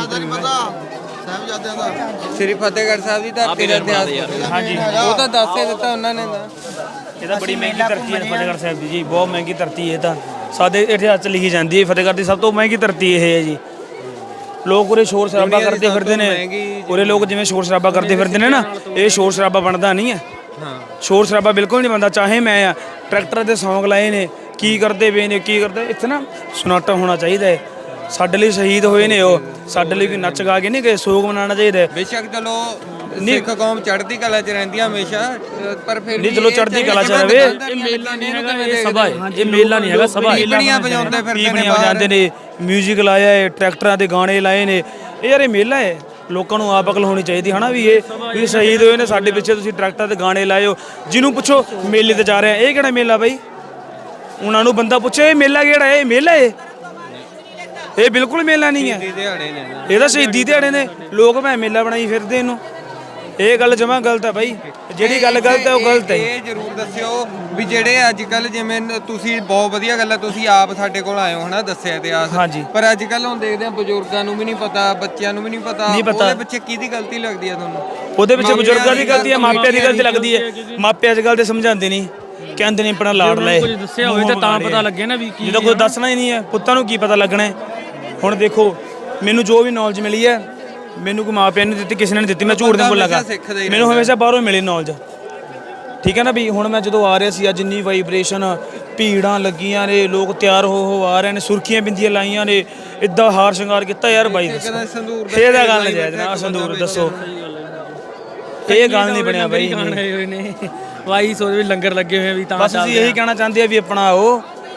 Speaker 1: ਸ੍ਰੀ ਫਤਿਹਗੜ੍ਹ ਸਾਹਿਬ ਦੀ ਧਰਤੀ ਦਾ ਇਤਿਹਾਸ?
Speaker 4: ਹਾਂਜੀ,
Speaker 1: ਉਹ ਤਾਂ ਦੱਸ ਹੀ ਦਿੱਤਾ ਉਹਨਾਂ ਨੇ ਤਾਂ।
Speaker 4: ਇਹ ਤਾਂ ਬੜੀ ਮਹਿੰਗੀ ਧਰਤੀ ਹੈ ਫਤਿਹਗੜ੍ਹ ਸਾਹਿਬ ਦੀ ਜੀ, ਬਹੁਤ ਮਹਿੰਗੀ ਧਰਤੀ ਹੈ। ਇਹ ਤਾਂ ਸਾਡੇ ਇਤਿਹਾਸ 'ਚ ਲਿਖੀ ਜਾਂਦੀ ਹੈ, ਫਤਿਹਗੜ੍ਹ ਦੀ ਸਭ ਤੋਂ ਮਹਿੰਗੀ ਧਰਤੀ ਇਹ ਹੈ ਜੀ। ਲੋਕ ਉਰੇ ਸ਼ੋਰ ਸ਼ਰਾਬਾ
Speaker 1: ਦੁਨੀਆ ਦੀ
Speaker 4: ਕਰਦੇ
Speaker 1: ਸਭ
Speaker 4: ਫਿਰਦੇ
Speaker 1: ਤੋਂ
Speaker 4: ਨੇ।
Speaker 1: ਮਹਿੰਗੀ
Speaker 4: ਉਰੇ ਲੋਕ ਜਿਵੇਂ ਸ਼ੋਰ ਸ਼ਰਾਬਾ ਕਰਦੇ ਫਿਰਦੇ ਨੇ ਨਾ, ਇਹ ਸ਼ੋਰ ਸ਼ਰਾਬਾ ਬਣਦਾ ਨਹੀਂ ਹੈ।
Speaker 1: ਹਾਂ,
Speaker 4: ਸ਼ੋਰ ਸ਼ਰਾਬਾ ਬਿਲਕੁਲ ਨਹੀਂ ਬਣਦਾ। ਚਾਹੇ ਮੈਂ ਆ ਟਰੈਕਟਰ ਦੇ ਸੌਂਗ ਲਾਏ ਨੇ, ਕੀ ਕਰਦੇ ਪਏ ਨੇ, ਕੀ ਕਰਦੇ, ਇੱਥੇ ਨਾ ਸੁਨਾਟਾ ਹੋਣਾ ਚਾਹੀਦਾ ਹੈ। ਸਾਡੇ ਲਈ ਸ਼ਹੀਦ ਹੋਏ ਨੇ ਉਹ, ਸਾਡੇ ਲਈ ਕੋਈ ਨੱਚ ਗਾ ਕੇ ਨਹੀਂ ਗਏ, ਸੋਗ ਮਨਾਉਣਾ ਚਾਹੀਦਾ ਹੈ।
Speaker 1: ਬੇਸ਼ੱਕ ਚਲੋ ਸਿੱਖ ਕੌਮ ਚੜ੍ਹਦੀ ਕਲਾ 'ਚ ਰਹਿੰਦੀ ਆ ਹਮੇਸ਼ਾ, ਅ, ਪਰ ਫਿਰ
Speaker 4: ਨਹੀਂ
Speaker 1: ਵੀ
Speaker 4: ਚਲੋ
Speaker 1: ਇਹ
Speaker 4: ਚੜ੍ਹਦੀ
Speaker 1: ਜਿਹੜੇ
Speaker 4: ਕਲਾ 'ਚ
Speaker 1: ਜਿਵੇਂ
Speaker 4: ਰਵੇ।
Speaker 1: ਦੁਕਾਨਦਾਰੀਆਂ
Speaker 4: ਇਹ ਮੇਲਾ ਨਹੀਂ
Speaker 1: ਲੱਗੀਆਂ
Speaker 4: ਹੈਗਾ,
Speaker 1: ਨੇ,
Speaker 4: ਇਹ ਸਭਾ ਹੈ। ਇਹ ਮੇਲਾ ਨਹੀਂ ਹੈਗਾ, ਸਭਾ ਹੈ।
Speaker 1: ਪੀਪਣੀਆਂ ਵਜਾਉਂਦੇ ਫਿਰਦੇ ਨੇ
Speaker 4: ਪੀਪਣੀਆਂ
Speaker 1: ਬਾਹਰ।
Speaker 4: ਵਜਾਉਂਦੇ ਨੇ, ਮਿਊਜ਼ਿਕ ਲਾਇਆ ਹੈ, ਟਰੈਕਟਰਾਂ ਦੇ ਗਾਣੇ ਲਾਏ ਨੇ। ਇਹ ਯਾਰ ਇਹ ਮੇਲਾ ਹੈ, ਲੋਕਾਂ ਨੂੰ ਆਪ ਅਕਲ ਹੋਣੀ ਚਾਹੀਦੀ ਹਨਾ ਵੀ ਇਹ ਵੀ ਸ਼ਹੀਦ ਹੋਏ ਨੇ ਸਾਡੇ ਪਿੱਛੇ, ਤੁਸੀਂ ਟਰੈਕਟਰਾਂ ਦੇ ਗਾਣੇ ਲਾਏ ਹੋ। ਜਿਹਨੂੰ ਪੁੱਛੋ ਮੇਲੇ ਤੇ ਜਾ ਰਿਹਾ, ਇਹ ਕਿਹੜਾ ਮੇਲਾ ਬਾਈ? ਉਹਨਾਂ ਨੂੰ ਬੰਦਾ ਪੁੱਛੇ ਇਹ ਮੇਲਾ ਕਿਹੜਾ ਹੈ? ਇਹ ਮੇਲਾ ਹੈ? ਇਹ ਬਿਲਕੁਲ ਮੇਲਾ ਨਹੀਂ ਹੈ,
Speaker 1: ਦਿਹਾੜੇ ਨੇ ਨਾ।
Speaker 4: ਇਹ ਤਾਂ ਸ਼ਹੀਦੀ ਦਿਹਾੜੇ ਨੇ। ਲੋਕ ਭਾਵੇਂ ਮੇਲਾ ਬਣਾਈ ਫਿਰਦੇ ਇਹਨੂੰ। ਇਹ ਗੱਲ ਜਮਾਂ ਗਲਤ ਹੈ ਬਾਈ, ਜਿਹੜੀ ਗੱਲ ਗਲਤ ਹੈ ਉਹ ਗਲਤ ਹੈ।
Speaker 1: ਇਹ ਜ਼ਰੂਰ ਦੱਸਿਓ ਵੀ ਜਿਹੜੇ ਅੱਜ ਕੱਲ ਜਿਵੇਂ ਨ- ਤੁਸੀਂ ਬਹੁਤ ਵਧੀਆ ਗੱਲ ਹੈ, ਤੁਸੀਂ ਆਪ ਸਾਡੇ ਕੋਲ ਆਏ ਹੋ ਹਨਾ, ਦੱਸਿਆ ਇਤਿਹਾਸ।
Speaker 4: ਹਾਂਜੀ।
Speaker 1: ਪਰ ਅੱਜ ਕੱਲ ਹੁਣ ਦੇਖਦੇ ਆ ਬਜ਼ੁਰਗਾਂ ਨੂੰ ਵੀ ਨਹੀਂ ਪਤਾ, ਬੱਚਿਆਂ ਨੂੰ ਵੀ ਨਹੀਂ ਪਤਾ।
Speaker 4: ਨਹੀਂ ਪਤਾ।
Speaker 1: ਉਹਦੇ ਪਿੱਛੇ ਕਿਹਦੀ ਗਲਤੀ ਲੱਗਦੀ ਹੈ ਤੁਹਾਨੂੰ?
Speaker 4: ਉਹਦੇ ਵਿੱਚ
Speaker 1: ਮਾਪਿਆਂ
Speaker 4: ਬਜ਼ੁਰਗਾਂ ਦੀ
Speaker 1: ਦੀ
Speaker 4: ਗਲਤੀ ਹੈ, ਮਾਪਿਆਂ ਦੀ ਗਲਤੀ
Speaker 1: ਮਾਪਿਆਂ
Speaker 4: ਲੱਗਦੀ ਹੈ। ਮਾਪੇ ਅੱਜ ਕੱਲ੍ਹ ਦੇ ਸਮਝਾਉਂਦੇ ਨਹੀਂ, ਕਹਿੰਦੇ ਨੇ ਆਪਣਾ ਲਾੜ ਲਏ। ਕੁਝ ਦੱਸਿਆ ਹੋਵੇ ਤਾਂ ਤਾਂ ਪਤਾ ਲੱਗੇ ਨਾ ਵੀ ਕੀ। ਜਦੋਂ ਕੋਈ ਦੱਸਣਾ ਹੀ ਨਹੀਂ ਹੈ, ਪੁੱਤਾਂ ਨੂੰ ਕੀ ਪਤਾ ਲੱਗਣਾ ਹੈ? ਹੁਣ ਦੇਖੋ, ਮੈਨੂੰ ਜੋ ਵੀ ਨੌਲੇਜ ਮਿਲੀ ਹੈ, ਮੈਨੂੰ ਕੋਈ ਮਾਪਿਆਂ ਨੇ ਦਿੱਤੀ, ਕਿਸੇ ਨੇ ਨਹੀਂ ਦਿੱਤੀ, ਮੈਂ ਝੂਠ ਨਹੀਂ ਬੋਲਾਂਗਾ। ਮੈਨੂੰ ਹਮੇਸ਼ਾ ਬਾਹਰੋਂ ਮਿਲੀ ਨੌਲੇਜ, ਠੀਕ ਹੈ ਨਾ ਵੀ। ਹੁਣ ਮੈਂ ਜਦੋਂ ਆ ਰਿਹਾ ਸੀ, ਅੱਜ ਇੰਨੀ ਵਾਈਬ੍ਰੇਸ਼ਨ, ਭੀੜਾਂ ਲੱਗੀਆਂ ਨੇ, ਲੋਕ ਤਿਆਰ ਹੋ ਹੋ ਆ ਰਹੇ ਨੇ, ਸੁਰਖੀਆਂ ਬਿੰਦੀਆਂ ਲਾਈਆਂ ਨੇ, ਇੱਦਾਂ ਹਾਰ ਸ਼ਿੰਗਾਰ ਕੀਤਾ ਯਾਰ ਬਾਈ। ਦੱਸੋ
Speaker 1: ਸੰਦੂਰ
Speaker 4: ਇਹਦਾ ਗੱਲ ਨਹੀਂ ਜਾਇਜ਼ ਨਾ, ਸੰਦੂਰ ਦੱਸੋ, ਇਹ ਗੱਲ ਨਹੀਂ ਬਣਿਆ ਬਾਈ।
Speaker 9: ਵਾਈ ਸੋਚ ਵੀ ਲੰਗਰ ਲੱਗੇ ਹੋਏ ਵੀ ਤਾਂ
Speaker 4: ਬਸ ਅਸੀਂ ਇਹੀ ਕਹਿਣਾ ਚਾਹੁੰਦੇ ਆ ਵੀ ਆਪਣਾ ਉਹ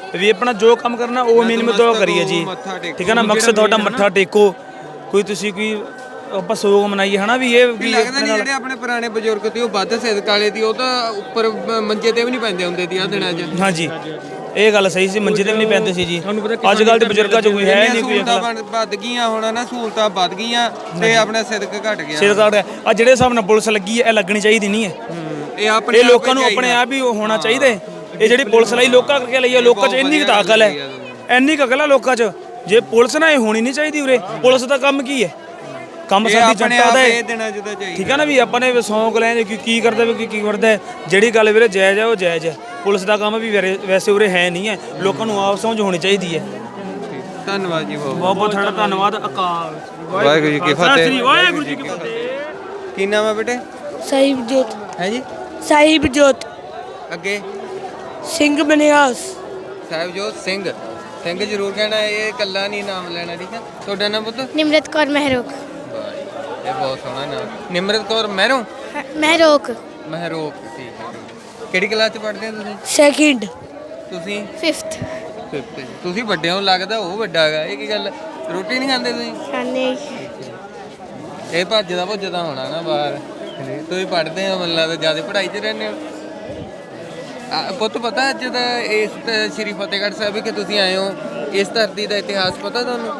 Speaker 4: ਵੀ ਆਪਣਾ ਜੋ ਕੰਮ ਕਰਨਾ ਉਹ ਮਿਹਨਤ ਤੋਂ ਕਰੀਏ ਜੀ, ਠੀਕ ਹੈ ਨਾ। ਮਕਸਦ ਤੁਹਾਡਾ ਮੱਥਾ ਟੇਕੋ, ਕੋਈ ਤੁਸੀਂ ਕੋਈ ਆਪਾਂ ਸੋਗ ਮਨਾਈਏ ਹਨਾ ਵੀ ਇਹ ਵੀ
Speaker 1: ਲੱਗਦਾ ਨਹੀਂ ਜਿਹੜੇ ਆਪਣੇ ਪੁਰਾਣੇ ਬਜ਼ੁਰਗ ਸੀ ਉਹ ਵੱਧ ਸਿਦਕ ਵਾਲੇ ਦੀ, ਉਹ ਤਾਂ ਉੱਪਰ ਮ- ਮੰਜੇ ਤੇ ਵੀ ਨਹੀਂ ਪੈਂਦੇ ਹੁੰਦੇ ਸੀ ਆ ਦਿਨਾਂ 'ਚ।
Speaker 4: ਹਾਂਜੀ ਇਹ ਗੱਲ ਸਹੀ ਸੀ, ਮੰਜੇ ਤੇ ਵੀ ਨਹੀਂ ਪੈਂਦੇ ਸੀ ਜੀ। ਅੱਜ ਕੱਲ ਦੇ ਬਜ਼ੁਰਗਾਂ 'ਚ ਕੋਈ ਹੈ ਨਹੀਂ ਕੋਈ
Speaker 1: ਸਹੂਲਤਾਂ ਬਣ- ਵੱਧ ਗਈਆਂ ਹੁਣ ਨਾ, ਸਹੂਲਤਾਂ ਵੱਧ ਗਈਆਂ ਤੇ ਆਪਣਾ ਸਿਦਕ ਘਟ ਗਿਆ।
Speaker 4: ਸਿਰ ਕਾਰਡ ਆ ਜਿਹੜੇ ਹਿਸਾਬ ਨਾਲ ਪੁਲਿਸ ਲੱਗੀ ਹੈ ਇਹ ਲੱਗਣੀ ਚਾਹੀਦੀ ਨਹੀਂ ਹੈ।
Speaker 1: ਇਹ ਆਪਣੇ
Speaker 4: ਇਹ ਲੋਕਾਂ ਨੂੰ ਆਪਣੇ ਆਪ ਹੀ ਹੋਣਾ ਚਾਹੀਦਾ ਹੈ। ਇਹ ਜਿਹੜੀ ਪੁਲਿਸ ਲਈ ਲੋਕਾਂ ਕਰਕੇ ਲਈ ਹੈ, ਲੋਕਾਂ 'ਚ ਇੰਨੀ ਕੁ ਤਾਂ ਅਕਲ ਹੈ, ਇੰਨੀ ਕੁ ਅਕਲ ਹੈ ਲੋਕਾਂ 'ਚ। ਜੇ ਪੁਲਿਸ ਨਾ ਇਹ ਹੋਣੀ ਨਹੀਂ ਚਾਹੀਦੀ ਉਰੇ। ਪੁਲਿਸ ਦਾ ਕੰਮ ਕੀ ਹੈ? ਕੰਮ ਸਾਡੀ ਜਨਤਾ ਦਾ ਹੈ,
Speaker 1: ਦਿਨਾਂ 'ਚ ਤਾਂ ਚਾਹੀਦਾ।
Speaker 4: ਠੀਕ ਹੈ ਨਾ। ਵੀ ਆਪਾਂ ਨੇ ਸੌਂਕ ਲੈਣ ਕਿ ਕੀ ਕਰਦਾ ਵੀ ਕੀ ਕਰਦਾ ਹੈ। ਜਿਹੜੀ ਗੱਲ ਵੀਰੇ ਜਾਇਜ਼ ਹੈ ਉਹ ਜਾਇਜ਼ ਹੈ। ਪੁਲਿਸ ਦਾ ਕੰਮ ਵੀ ਵੈਰੇ- ਵੈਸੇ ਉਰੇ ਹੈ ਨਹੀਂ ਹੈ। ਲੋਕਾਂ ਨੂੰ ਆਪ ਸਮਝ ਹੋਣੀ ਚਾਹੀਦੀ ਹੈ।
Speaker 1: ਧੰਨਵਾਦ ਜੀ ਬਹੁਤ
Speaker 4: ਬਹੁਤ ਬਹੁਤ ਤੁਹਾਡਾ ਧੰਨਵਾਦ। ਅਕਾਲ
Speaker 1: ਵਾਹਿਗੁਰੂ ਜੀ ਕੀ ਫਤਿਹ।
Speaker 4: ਵਾਹਿਗੁਰੂ ਜੀ ਕੀ ਫਤਿਹ।
Speaker 1: ਕੀ ਨਾਮ ਹੈ ਬੇਟੇ?
Speaker 6: ਸਾਹਿਬ ਜੋਤ
Speaker 1: ਹੈ ਜੀ
Speaker 6: ਸਾਹਿਬ ਜੋਤ
Speaker 1: ਅੱਗੇ
Speaker 6: ਸਿੰਘ ਬਨਿਆਸ
Speaker 1: ਸਾਹਿਬਜੋਤ ਸਿੰਘ। ਸਿੰਘ ਜ਼ਰੂਰ ਕਹਿਣਾ, ਇਹ ਇਕੱਲਾ ਨਹੀਂ ਨਾਮ ਲੈਣਾ, ਠੀਕ ਹੈ। ਤੁਹਾਡਾ ਨਾਮ ਪੁੱਤ?
Speaker 6: ਨਿਮਰਤ ਕੌਰ ਮਹਿਰੋਕ
Speaker 1: ਇਹ ਬਹੁਤ ਸੋਹਣਾ ਨਾਮ, ਨਿਮਰਤ ਕੌਰ ਮਹਿਰੋਂ
Speaker 6: ਮਹਿਰੋਕ
Speaker 1: ਮਹਿਰੋਕ। ਠੀਕ ਹੈ, ਠੀਕ ਹੈ। ਕਿਹੜੀ ਕਲਾਸ 'ਚ ਪੜ੍ਹਦੇ ਹੋ ਤੁਸੀਂ?
Speaker 6: ਸੈਕਿੰਡ
Speaker 1: ਤੁਸੀਂ
Speaker 6: ਫਿਫਥ
Speaker 1: ਫਿਫਥ। ਤੁਸੀਂ ਵੱਡੇ ਹੋ ਲੱਗਦਾ, ਉਹ ਵੱਡਾ ਹੈਗਾ। ਇਹ ਕੀ ਗੱਲ, ਰੋਟੀ ਨਹੀਂ ਖਾਂਦੇ ਤੁਸੀਂ?
Speaker 6: ਖਾਣੇ
Speaker 1: ਇਹ ਭੱਜਦਾ ਭੁੱਜਦਾ ਹੋਣਾ ਨਾ ਬਾਹਰ। ਤੁਸੀਂ ਪੜ੍ਹਦੇ ਹੋ, ਮੈਨੂੰ ਲੱਗਦਾ ਜ਼ਿਆਦਾ ਪੜ੍ਹਾਈ 'ਚ ਰਹਿੰਦੇ ਹੋ। ਆ, ਪੁੱਤ ਪਤਾ ਅੱਜ ਦਾ ਇਸ ਤ- ਸ਼੍ਰੀ ਫਤਿਹਗੜ੍ਹ ਸਾਹਿਬ ਕਿ ਤੁਸੀਂ ਆਏ ਹੋ, ਇਸ ਧਰਤੀ ਦਾ ਇਤਿਹਾਸ ਪਤਾ ਤੁਹਾਨੂੰ?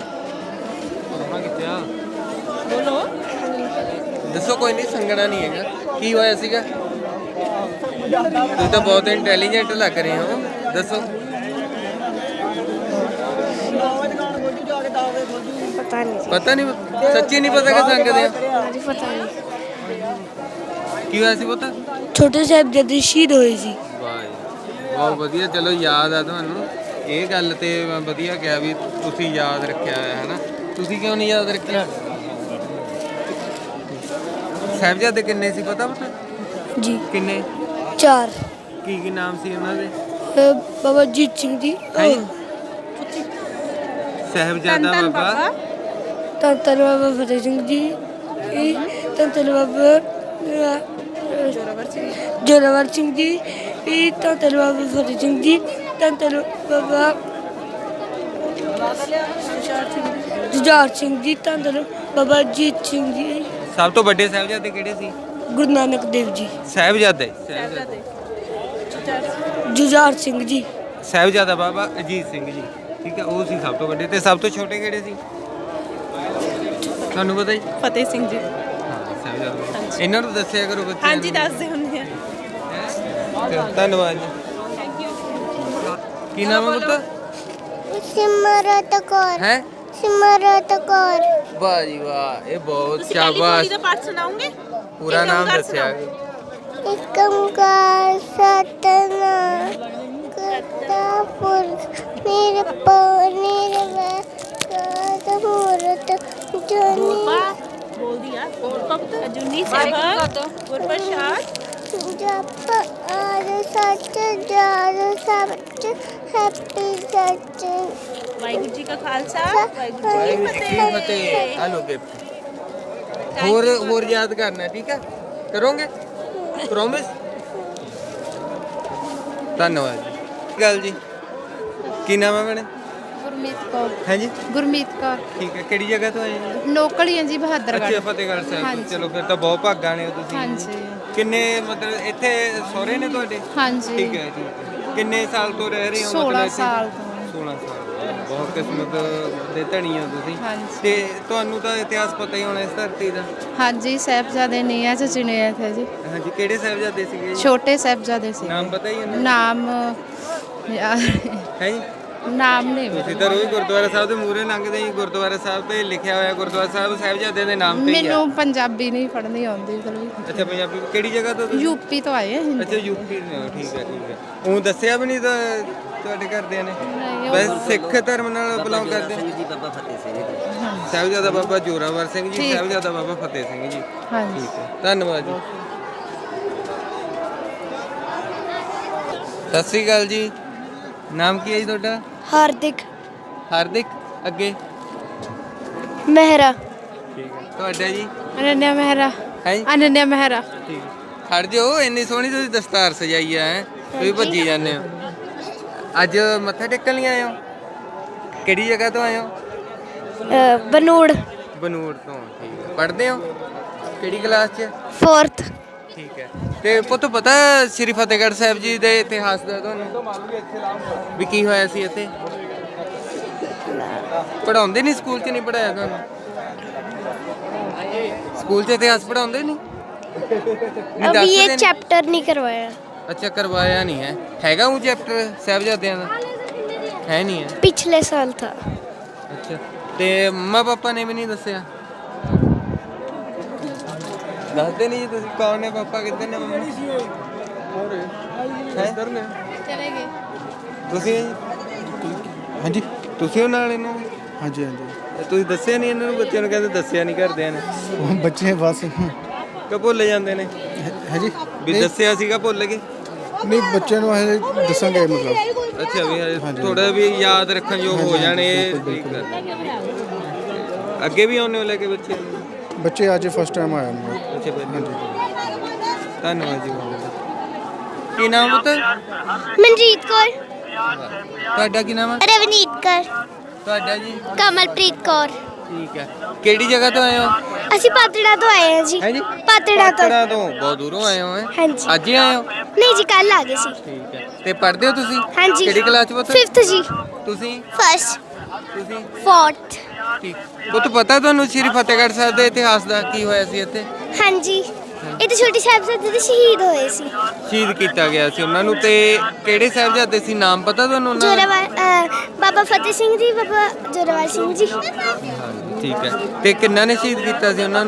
Speaker 5: ਬੋਲੋ।
Speaker 1: ਦੱਸੋ, ਕੋਈ ਨਹੀਂ, ਸੰਗਣਾ ਨਹੀਂ ਹੈਗਾ। ਕੀ ਹੋਇਆ ਸੀਗਾ? ਤੁਸੀਂ ਤਾਂ ਬਹੁਤ ਇੰਟੈਲੀਜੈਂਟ ਲੱਗ ਰਹੇ ਹੋ, ਦੱਸੋ।
Speaker 6: ਪਤਾ ਨਹੀਂ
Speaker 1: ਪਤਾ ਨਹੀਂ? ਸੱਚੀ ਨਹੀਂ ਪਤਾ ਕਿ ਸੰਗਦੇ ਆ?
Speaker 6: ਪਤਾ ਨਹੀਂ।
Speaker 1: ਕੀ ਹੋਇਆ ਸੀ ਪੁੱਤ?
Speaker 6: ਛੋਟੇ ਸਾਹਿਬ ਜਦ ਸ਼ਹੀਦ ਹੋਏ ਸੀ।
Speaker 1: ਵਾਹ ਜੀ, ਬਹੁਤ ਵਧੀਆ। ਚਲੋ ਯਾਦ ਆ ਤੁਹਾਨੂੰ। ਇਹ ਗੱਲ ਤੇ ਮੈਂ ਵਧੀਆ ਕਿਹਾ ਵੀ ਤੁਸੀਂ ਯਾਦ ਰੱਖਿਆ ਹੋਇਆ ਹੈ ਨਾ। ਤੁਸੀਂ ਕਿਉਂ ਨਹੀਂ ਯਾਦ ਰੱਖਿਆ? ਸਾਹਿਬਜ਼ਾਦੇ ਕਿੰਨੇ ਸੀ ਪਤਾ ਪਤਾ?
Speaker 6: ਜੀ
Speaker 1: ਕਿੰਨੇ?
Speaker 6: ਚਾਰ
Speaker 1: ਕੀ ਕੀ ਨਾਮ ਸੀ ਉਹਨਾਂ ਦੇ?
Speaker 6: ਅਹ ਬਾਬਾ ਜੀਤ ਸਿੰਘ ਜੀ,
Speaker 1: ਹੈਂ? ਸਾਹਿਬਜ਼ਾਦਾ
Speaker 5: ਧੰਨ
Speaker 1: ਬਾਬਾ
Speaker 5: ਬਾਬਾ
Speaker 6: ਧੰਨ ਧੰਨ ਬਾਬਾ ਫਤਿਹ ਸਿੰਘ ਜੀ, ਇਹ ਧੰਨ ਧੰਨ ਬਾਬਾ ਅਹ, ਜ਼ੋਰਾਵਰ ਸਿੰਘ ਜੀ, ਇਹ ਧੰਨ ਧੰਨ ਬਾਬਾ ਫਤਿਹ ਸਿੰਘ ਜੀ, ਧੰਨ ਧੰਨ ਬਾਬਾ ਜੁਝਾਰ ਸਿੰਘ ਜੀ, ਧੰਨ ਧੰਨ ਬਾਬਾ ਜੀਤ ਸਿੰਘ ਜੀ,
Speaker 1: ਸਭ ਤੋਂ ਵੱਡੇ ਸਾਹਿਬਜ਼ਾਦੇ ਕਿਹੜੇ ਸੀ?
Speaker 6: ਗੁਰੂ ਨਾਨਕ ਦੇਵ ਜੀ,
Speaker 1: ਸਾਹਿਬਜ਼ਾਦੇ
Speaker 5: ਸਾਹਿਬਜ਼ਾਦੇ
Speaker 6: ਜੁਝਾਰ ਸਿੰਘ ਜੀ,
Speaker 1: ਸਾਹਿਬਜ਼ਾਦਾ ਬਾਬਾ ਅਜੀਤ ਸਿੰਘ ਜੀ, ਠੀਕ ਹੈ, ਉਹ ਸੀ ਸਭ ਤੋਂ ਵੱਡੇ। ਤੇ ਸਭ ਤੋਂ ਛੋਟੇ ਕਿਹੜੇ ਸੀ ਤੁਹਾਨੂੰ ਪਤਾ ਜੀ?
Speaker 5: ਫਤਿਹ ਸਿੰਘ ਜੀ।
Speaker 1: ਹਾਂ, ਸਾਹਿਬਜ਼ਾਦਾ। ਇਹਨਾਂ ਨੂੰ ਦੱਸਿਆ ਕਰੋ ਬੱਚਿਆਂ
Speaker 5: ਹਾਂਜੀ
Speaker 1: ਨੂੰ।
Speaker 5: ਦੱਸਦੇ ਹੁੰਦੇ ਆ।
Speaker 1: ਚਲੋ, ਧੰਨਵਾਦ ਜੀ। ਕੀ ਨਾਮ ਹੈ ਪੁੱਤ?
Speaker 6: ਸਿਮਰਤ ਕੌਰ
Speaker 1: ਹੈ
Speaker 6: ਸਿਮਰਤ ਕੌਰ
Speaker 1: ਵਾਹ ਜੀ ਵਾਹ, ਇਹ ਬਹੁਤ
Speaker 5: ਤੁਸੀਂ ਪਹਿਲੀ
Speaker 1: ਸ਼ਾਬਾਸ਼।
Speaker 5: ਪੌੜੀ ਦਾ ਪਾਠ ਸੁਣਾਓਗੇ?
Speaker 1: ਪੂਰਾ
Speaker 5: ਇੱਕ
Speaker 1: ਨਾਮ
Speaker 5: ਓਂਕਾਰ
Speaker 1: ਦੱਸਿਆ।
Speaker 6: ਇੱਕ ਓਂਕਾਰ ਸਤਿਨਾਮ ਕਰਤਾ ਪੁਰਖ ਨਿਰਭਉ ਨਿਰਵੈਰ ਮੂਰਤ ਜਨੀ
Speaker 5: ਬੋਲਦੀ ਆ। ਕਬਤ ਜੁਨੀ ਸਾਹਿਬ ਗੁਰਪ੍ਰਸਾਦ
Speaker 6: ਜਪ ਆਦ ਸੱਚ ਜਦ ਸੱਚ ਹੈਪੀ ਸੱਚ
Speaker 5: ਵਾਹਿਗੁਰੂ ਜੀ ਕਾ ਖਾਲਸਾ ਵਾਹਿਗੁਰੂ ਜੀ ਕੀ
Speaker 1: ਕੀ
Speaker 5: ਫਤਿਹ।
Speaker 1: ਫਤਿਹ। ਆ ਲੋ ਗਿਫਟ। ਹੋਰ ਹੋਰ ਯਾਦ ਕਰਨਾ, ਠੀਕ ਹੈ? ਕਰੋਗੇ? ਪ੍ਰੋਮਿਸ? ਧੰਨਵਾਦ ਜੀ। ਗੱਲ ਜੀ, ਕੀ ਨਾਮ ਹੈ ਮੈਨੇ?
Speaker 8: ਗੁਰਮੀਤ ਕੌਰ
Speaker 1: ਹੈ ਜੀ,
Speaker 8: ਗੁਰਮੀਤ ਕੌਰ
Speaker 1: ਠੀਕ ਹੈ। ਕਿਹੜੀ ਜਗ੍ਹਾ ਤੋਂ ਆਏ ਜੀ?
Speaker 8: ਲੋਕਲ ਜੀ ਬਹਾਦਰਗੜ੍ਹ।
Speaker 1: ਅੱਛਾ, ਫਤਿਹਗੜ੍ਹ ਸਾਹਿਬ ਤੋਂ। ਚਲੋ ਫਿਰ ਤਾਂ ਬਹੁਤ ਭਾਗਾਂ ਨੇ ਹੋ ਤੁਸੀਂ।
Speaker 8: ਹਾਂਜੀ
Speaker 1: ਕਿੰਨੇ ਮਤਲਬ ਇੱਥੇ ਸਹੁਰੇ ਨੇ ਤੁਹਾਡੇ?
Speaker 8: ਹਾਂਜੀ
Speaker 1: ਠੀਕ ਹੈ, ਠੀਕ ਹੈ। ਕਿੰਨੇ ਸਾਲ ਤੋਂ ਰਹਿ ਰਹੇ ਹੋ? ਮਤਲਬ
Speaker 8: ਸੋਲਾਂ
Speaker 1: ਇੱਥੇ?
Speaker 8: ਸਾਲ ਤੋਂ।
Speaker 1: ਸੋਲਾਂ ਸਾਲ। ਬਹੁਤ ਕਿਸਮਤ ਦੇ ਧਣੀ ਹੋ ਤੁਸੀਂ।
Speaker 8: ਹਾਂਜੀ।
Speaker 1: ਤੇ ਤੁਹਾਨੂੰ ਤਾਂ ਇਤਿਹਾਸ ਪਤਾ ਹੀ ਹੋਣਾ ਇਸ ਧਰਤੀ ਦਾ।
Speaker 8: ਹਾਂਜੀ ਸਾਹਿਬਜ਼ਾਦੇ ਨੀਹਾਂ 'ਚ ਚੁਣੇ ਥੇ ਜੀ।
Speaker 1: ਹਾਂਜੀ, ਕਿਹੜੇ ਸਾਹਿਬਜ਼ਾਦੇ ਸੀਗੇ ਜੀ?
Speaker 8: ਛੋਟੇ ਸਾਹਿਬਜ਼ਾਦੇ ਸੀ।
Speaker 1: ਨਾਮ ਪਤਾ ਹੀ ਹੈ?
Speaker 8: ਨਾਮ ਯਾਰ,
Speaker 1: ਹੈ ਜੀ?
Speaker 8: ਨਾਮ ਨਹੀਂ
Speaker 1: ਤੁਸੀਂ ਤਾਂ ਰੋਜ਼ ਗੁਰਦੁਆਰਾ ਸਾਹਿਬ ਦੇ ਮੂਹਰੇ ਲੰਘਦੇ ਹੀ, ਗੁਰਦੁਆਰਾ ਸਾਹਿਬ ਤੇ ਲਿਖਿਆ ਹੋਇਆ ਗੁਰਦੁਆਰਾ ਸਾਹਿਬ ਸਾਹਿਬਜ਼ਾਦਿਆਂ ਦੇ ਨਾਮ ਤੇ ਹੀ ਆ।
Speaker 8: ਮੈਨੂੰ ਪੰਜਾਬੀ ਨਹੀਂ ਪੜ੍ਹਨੀ ਆਉਂਦੀ ਚਲੋ।
Speaker 1: ਅੱਛਾ, ਪੰਜਾਬੀ ਕਿਹੜੀ ਜਗ੍ਹਾ ਤੋਂ ਤੁਸੀਂ?
Speaker 8: ਯੂਪੀ ਤੋਂ ਆਏ ਹਾਂ।
Speaker 1: ਅੱਛਾ, ਯੂਪੀ ਦੇ ਹੋ, ਠੀਕ ਹੈ, ਠੀਕ ਹੈ। ਉਹ ਦੱਸਿਆ ਵੀ ਨਹੀਂ ਤਾਂ ਤੁਹਾਡੇ ਘਰਦਿਆਂ ਨੇ?
Speaker 8: ਨਹੀਂ, ਉਹ-
Speaker 1: ਬਸ ਸਿੱਖ ਧਰਮ ਨਾਲ ਬਿਲੋਂਗ ਕਰਦੇ ਨੇ?
Speaker 3: ਬਾਬਾ ਫਤਿਹ ਸਿੰਘ ਜੀ।
Speaker 1: ਸਾਹਿਬਜ਼ਾਦਾ ਬਾਬਾ ਜੋਰਾਵਰ ਸਿੰਘ ਜੀ,
Speaker 8: ਠੀਕ।
Speaker 1: ਸਾਹਿਬਜ਼ਾਦਾ ਬਾਬਾ ਫਤਿਹ ਸਿੰਘ ਜੀ।
Speaker 8: ਹਾਂਜੀ
Speaker 1: ਠੀਕ ਹੈ, ਧੰਨਵਾਦ ਜੀ। ਸਤਿ ਸ੍ਰੀ ਅਕਾਲ ਜੀ। ਨਾਮ ਕੀ ਹੈ ਜੀ ਤੁਹਾਡਾ?
Speaker 6: ਹਾਰਦਿਕ
Speaker 1: ਹਾਰਦਿਕ। ਅੱਗੇ?
Speaker 6: ਮਹਿਰਾ
Speaker 1: ਠੀਕ ਹੈ। ਤੁਹਾਡਾ ਜੀ?
Speaker 8: ਅਨੰਨਿਆ ਮਹਿਰਾ
Speaker 1: ਹੈ
Speaker 8: ਅਨੰਨਿਆ ਮਹਿਰਾ
Speaker 1: ਠੀਕ ਹੈ। ਖੜ ਜਾਓ, ਇੰਨੀ ਸੋਹਣੀ ਤੁਸੀਂ ਦਸਤਾਰ ਸਜਾਈ ਆ ਹੈ, ਤੁਸੀਂ ਭੱਜੀ ਜਾਂਦੇ ਹੋ। ਅੱਜ ਮੱਥਾ ਟੇਕਣ ਲਈ ਆਏ ਹੋ? ਕਿਹੜੀ ਜਗ੍ਹਾ ਤੋਂ ਆਏ ਹੋ?
Speaker 6: ਬਨੂੜ
Speaker 1: ਬਨੂੜ ਤੋਂ। ਠੀਕ ਹੈ। ਪੜ੍ਹਦੇ ਹੋ ਕਿਹੜੀ ਕਲਾਸ 'ਚ?
Speaker 6: ਫੋਰਥ।
Speaker 1: ਠੀਕ ਹੈ। ਤੇ ਪੁੱਤ ਪਤਾ ਸ੍ਰੀ ਫਤਿਹਗੜ੍ਹ ਸਾਹਿਬ ਜੀ ਦੇ ਇਤਿਹਾਸ ਦਾ ਤੁਹਾਨੂੰ ਵੀ ਕੀ ਹੋਇਆ ਸੀ ਇੱਥੇ? ਪੜਾਉਂਦੇ ਨਹੀਂ ਸਕੂਲ 'ਚ? ਨਹੀਂ ਪੜਾਇਆ ਤੁਹਾਨੂੰ ਸਕੂਲ 'ਚ ਇਤਿਹਾਸ ਪੜਾਉਂਦੇ ਨਹੀਂ? ਨਹੀਂ
Speaker 6: ਅਭੀ ਇਹ
Speaker 1: ਦੱਸਦੇ?
Speaker 6: ਚੈਪਟਰ ਨਹੀਂ ਕਰਵਾਇਆ।
Speaker 1: ਅੱਛਾ ਕਰਵਾਇਆ ਨਹੀਂ ਹੈ। ਹੈਗਾ ਉਹ ਚੈਪਟਰ ਸਾਹਿਬਜ਼ਾਦਿਆਂ ਦਾ? ਹੈ ਨਹੀਂ ਹੈ।
Speaker 6: ਪਿਛਲੇ ਸਾਲ ਥਾ।
Speaker 1: ਅੱਛਾ ਤੇ ਮੰਮਾ ਪਾਪਾ ਨੇ ਵੀ ਨਹੀਂ ਦੱਸਿਆ? ਦੱਸਦੇ ਨਹੀਂ ਜੀ ਤੁਸੀਂ? ਕੌਣ ਨੇ ਪਾਪਾ, ਕਿੱਧਰ ਨੇ ਮੰਮੀ? ਇੱਧਰ ਨੇ।
Speaker 8: ਚਲੇ ਗਏ।
Speaker 1: ਤੁਸੀਂ
Speaker 2: ਹਾਂਜੀ
Speaker 1: ਤੁਸੀਂ ਉਹ ਨਾਲ ਇਹਨਾਂ ਦੇ?
Speaker 2: ਹਾਂਜੀ ਹਾਂਜੀ
Speaker 1: ਤੇ ਤੁਸੀਂ ਦੱਸਿਆ ਨਹੀਂ ਇਹਨਾਂ ਨੂੰ? ਬੱਚਿਆਂ ਨੂੰ ਕਹਿੰਦੇ ਦੱਸਿਆ ਨਹੀਂ ਘਰਦਿਆਂ ਨੇ?
Speaker 2: ਉਹ ਬੱਚੇ ਬਸ
Speaker 1: ਕਿ ਭੁੱਲ ਜਾਂਦੇ ਨੇ
Speaker 2: ਹੈ ਜੀ
Speaker 1: ਵੀ ਦੱਸਿਆ ਸੀਗਾ ਭੁੱਲ ਗਏ?
Speaker 2: ਨਹੀਂ ਬੱਚੇ ਨੂੰ ਇਹ ਦੱਸਾਂਗੇ ਮਤਲਬ
Speaker 1: ਅੱਛਾ ਵੀ ਥੋੜਾ ਵੀ ਯਾਦ ਰੱਖਣ ਯੋਗ ਹੋ ਜਾਣੇ। ਇਹ ਠੀਕ ਹੈ। ਅੱਗੇ ਵੀ ਆਉਣੇ ਹੋ ਲੈ ਕੇ ਬੱਚੇ?
Speaker 2: ਬੱਚੇ ਅੱਜ ਫਸਟ ਟਾਈਮ ਆਇਆ ਮੈਂ।
Speaker 1: ਅੱਛਾ ਹਾਂਜੀ ਧੰਨਵਾਦ ਜੀ ਬਹੁਤ ਬਹੁਤ। ਕੀ ਨਾਮ ਪੁੱਤ?
Speaker 6: ਮਨਜੀਤ ਕੌਰ।
Speaker 1: ਤੁਹਾਡਾ ਕੀ ਨਾਮ ਹੈ?
Speaker 6: ਰਵਨੀਤ ਕੌਰ।
Speaker 1: ਤੁਹਾਡਾ ਜੀ?
Speaker 6: ਕਮਲਪ੍ਰੀਤ ਕੌਰ।
Speaker 1: ਠੀਕ ਹੈ। ਕਿਹੜੀ ਜਗ੍ਹਾ ਤੋਂ ਆਏ ਹੋ?
Speaker 6: ਅਸੀਂ ਪਾਤੜਾ ਤੋਂ ਆਏ ਹਾਂ ਜੀ।
Speaker 1: ਹੈ ਜੀ?
Speaker 6: ਪਾਤੜਾ ਤੋਂ।
Speaker 1: ਪਾਤੜਾ ਤੋਂ ਬਹੁਤ ਦੂਰੋਂ ਆਏ ਹੋ? ਹੈ
Speaker 6: ਹਾਂਜੀ।
Speaker 1: ਅੱਜ ਹੀ ਆਏ ਹੋ?
Speaker 6: ਨਹੀਂ ਜੀ ਕੱਲ ਆ ਗਏ ਸੀ।
Speaker 1: ਠੀਕ ਹੈ। ਤੇ ਪੜ੍ਹਦੇ ਹੋ ਤੁਸੀਂ?
Speaker 6: ਹਾਂਜੀ।
Speaker 1: ਕਿਹੜੀ ਕਲਾਸ 'ਚ ਪੁੱਤ?
Speaker 6: ਫਿਫਥ ਜੀ।
Speaker 1: ਤੁਸੀਂ?
Speaker 6: ਫਸਟ।
Speaker 1: ਤੁਸੀਂ?
Speaker 6: ਫੋਰਥ।
Speaker 1: ਠੀਕ। ਪੁੱਤ ਪਤਾ ਤੁਹਾਨੂੰ ਸ੍ਰੀ ਫਤਿਹਗੜ੍ਹ ਸਾਹਿਬ ਦੇ ਇਤਿਹਾਸ ਦਾ ਕੀ ਹੋਇਆ ਸੀ ਇੱਥੇ?
Speaker 6: ਹਾਂਜੀ ਇਹ ਤਾਂ ਛੋਟੇ ਸਾਹਿਬਜ਼ਾਦੇ ਦੇ ਸ਼ਹੀਦ ਹੋਏ ਸੀ।
Speaker 1: ਸ਼ਹੀਦ ਕੀਤਾ ਗਿਆ ਸੀ ਉਹਨਾਂ ਨੂੰ। ਤੇ ਕਿਹੜੇ ਸਾਹਿਬਜ਼ਾਦੇ ਸੀ? ਨਾਮ ਪਤਾ ਤੁਹਾਨੂੰ ਉਹਨਾਂ ਦਾ?
Speaker 6: ਜੋਰਾਵਰ ਅ, ਬਾਬਾ ਫਤਿਹ ਸਿੰਘ ਜੀ, ਬਾਬਾ ਜੋਰਾਵਰ ਸਿੰਘ ਜੀ।
Speaker 1: ਹਾਂਜੀ ਠੀਕ ਹੈ। ਤੇ ਕਿੰਨਾ ਨੇ ਸ਼ਹੀਦ ਕੀਤਾ ਸੀ ਉਹਨਾਂ ਨੂੰ?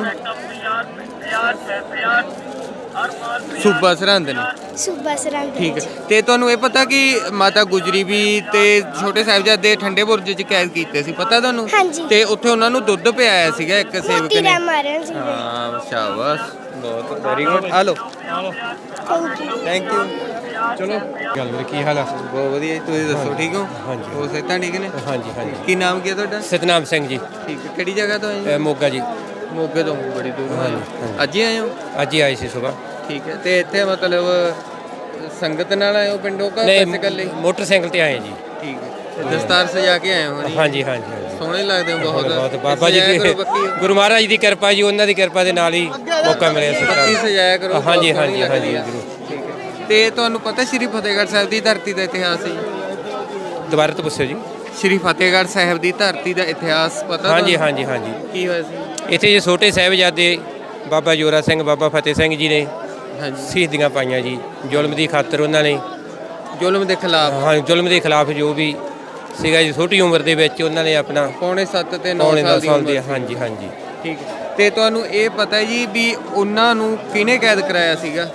Speaker 1: ਸੂਬਾ ਸਰਹੰਦ ਨੇ।
Speaker 6: ਸੂਬਾ ਸਰਹੰਦ।
Speaker 1: ਠੀਕ ਹੈ। ਤੇ ਤੁਹਾਨੂੰ ਇਹ ਪਤਾ ਕਿ ਮਾਤਾ ਗੁਜਰੀ ਵੀ ਤੇ ਛੋਟੇ ਸਾਹਿਬਜ਼ਾਦੇ ਠੰਡੇ ਬੁਰਜ 'ਚ ਕੈਦ ਕੀਤੇ ਸੀ? ਪਤਾ ਤੁਹਾਨੂੰ?
Speaker 6: ਹਾਂਜੀ।
Speaker 1: ਤੇ ਉੱਥੇ ਉਹਨਾਂ ਨੂੰ ਦੁੱਧ ਪਿਆਇਆ ਸੀਗਾ ਇੱਕ ਸੇਵਕ
Speaker 6: ਮੋਤੀ
Speaker 1: ਨੇ।
Speaker 6: ਰਾਮ ਮਹਾਰਾਜ ਜੀ ਦੇ।
Speaker 1: ਹਾਂ ਸ਼ਾਬਾਸ਼ ਬਹੁਤ very good. Hello
Speaker 6: thank you.
Speaker 1: Thank you.
Speaker 2: ਚਲੋ ਗੱਲ ਵੀਰੇ ਕੀ ਹਾਲ ਆ?
Speaker 1: ਬਹੁਤ ਵਧੀਆ ਜੀ, ਤੁਸੀਂ ਦੱਸੋ ਠੀਕ ਹੋ?
Speaker 2: ਹਾਂਜੀ।
Speaker 1: ਹੋ ਸਿਹਤਾਂ ਠੀਕ ਨੇ?
Speaker 2: ਹਾਂਜੀ ਹਾਂਜੀ
Speaker 1: ਕੀ ਨਾਮ ਕੀ ਹੈ ਤੁਹਾਡਾ?
Speaker 2: ਸਤਨਾਮ ਸਿੰਘ ਜੀ
Speaker 1: ਠੀਕ ਹੈ। ਕਿਹੜੀ ਜਗ੍ਹਾ ਤੋਂ ਆਏ ਜੀ?
Speaker 2: ਮੋਗਾ ਜੀ।
Speaker 1: ਮੋਗੇ ਤੋਂ ਬੜੀ ਦੂਰ ਆਏ ਹੋ? ਅੱਜ ਹੀ ਆਏ ਹੋ?
Speaker 2: ਅੱਜ ਹੀ ਆਏ ਸੀ ਸਵੇਰ।
Speaker 1: ਠੀਕ ਹੈ। ਤੇ ਇੱਥੇ ਮਤਲਬ ਸੰਗਤ ਨਾਲ ਆਏ ਹੋ ਪਿੰਡੋਂ ਕਾ ਪੈਸੇ ਇਕੱਲੇ?
Speaker 2: ਮੋਟਰਸਾਈਕਲ ਤੇ ਆਏ ਜੀ।
Speaker 1: ਠੀਕ ਹੈ। ਤੇ ਦਸਤਾਰ ਸਜਾ ਕੇ ਆਏ ਹੋ ਜੀ?
Speaker 2: ਹਾਂਜੀ ਹਾਂਜੀ ਹਾਂਜੀ
Speaker 1: ਸੋਹਣੇ ਲੱਗਦੇ ਹੋ ਬਹੁਤ।
Speaker 2: ਬਹੁਤ ਬਾਬਾ ਜੀ
Speaker 1: ਸਜਾਇਆ
Speaker 2: ਦੀ
Speaker 1: ਕਰੋ ਬੱਕੀ।
Speaker 2: ਗੁਰੂ ਮਹਾਰਾਜ ਦੀ ਕਿਰਪਾ ਜੀ, ਉਹਨਾਂ ਦੀ ਕਿਰਪਾ ਦੇ ਨਾਲ ਹੀ ਮੌਕਾ ਮਿਲਿਆ
Speaker 1: ਬੱਕੀ
Speaker 2: ਸਰਕਾਰ।
Speaker 1: ਸਜਾਇਆ ਕਰੋ।
Speaker 2: ਹਾਂਜੀ
Speaker 1: ਬਹੁਤ ਸੋਹਣੀ
Speaker 2: ਹਾਂਜੀ ਹਾਂਜੀ
Speaker 1: ਲੱਗਦੀ ਆ।
Speaker 2: ਜ਼ਰੂਰ।
Speaker 1: ਠੀਕ ਹੈ। ਤੇ ਤੁਹਾਨੂੰ ਪਤਾ ਸ਼੍ਰੀ ਫਤਿਹਗੜ੍ਹ ਸਾਹਿਬ ਦੀ ਧਰਤੀ ਦਾ ਇਤਿਹਾਸ ਹੈ ਜੀ?
Speaker 2: ਦੁਬਾਰਾ ਤੋਂ ਪੁੱਛੋ ਜੀ।
Speaker 1: ਸ਼੍ਰੀ ਫਤਿਹਗੜ੍ਹ ਸਾਹਿਬ ਦੀ ਧਰਤੀ ਦਾ ਇਤਿਹਾਸ ਪਤਾ?
Speaker 2: ਹਾਂਜੀ
Speaker 1: ਤੁਹਾਨੂੰ?
Speaker 2: ਹਾਂਜੀ ਹਾਂਜੀ
Speaker 1: ਕੀ ਹੋਇਆ ਸੀ
Speaker 2: ਇੱਥੇ ਜੀ ਛੋਟੇ ਸਾਹਿਬਜ਼ਾਦੇ ਬਾਬਾ ਜੋਰਾ ਸਿੰਘ, ਬਾਬਾ ਫਤਿਹ ਸਿੰਘ ਜੀ ਨੇ
Speaker 1: ਹਾਂਜੀ?
Speaker 2: ਸ਼ਹੀਦੀਆਂ ਪਾਈਆਂ ਜੀ। ਜ਼ੁਲਮ ਦੀ ਖਾਤਰ ਉਹਨਾਂ ਨੇ,
Speaker 1: ਜ਼ੁਲਮ ਦੇ ਖਿਲਾਫ।
Speaker 2: ਹਾਂ ਜ਼ੁਲਮ ਦੇ ਖਿਲਾਫ ਜੋ ਵੀ ਸੀਗਾ ਜੀ, ਛੋਟੀ ਉਮਰ ਦੇ ਵਿੱਚ ਉਹਨਾਂ ਨੇ ਆਪਣਾ
Speaker 1: ਪੌਣੇ ਸੱਤ ਤੇ ਨੌ
Speaker 2: ਪੌਣੇ
Speaker 1: ਸਾਲ
Speaker 2: ਦਸ
Speaker 1: ਦੀ
Speaker 2: ਸਾਲ
Speaker 1: ਉਮਰ
Speaker 2: ਦੀ
Speaker 1: ਸੀ।
Speaker 2: ਹਾਂਜੀ ਹਾਂਜੀ
Speaker 1: ਠੀਕ ਹੈ। ਤੇ ਤੁਹਾਨੂੰ ਇਹ ਪਤਾ ਜੀ ਵੀ ਉਹਨਾਂ ਨੂੰ ਕਿਹਨੇ ਕੈਦ ਕਰਾਇਆ ਸੀਗਾ?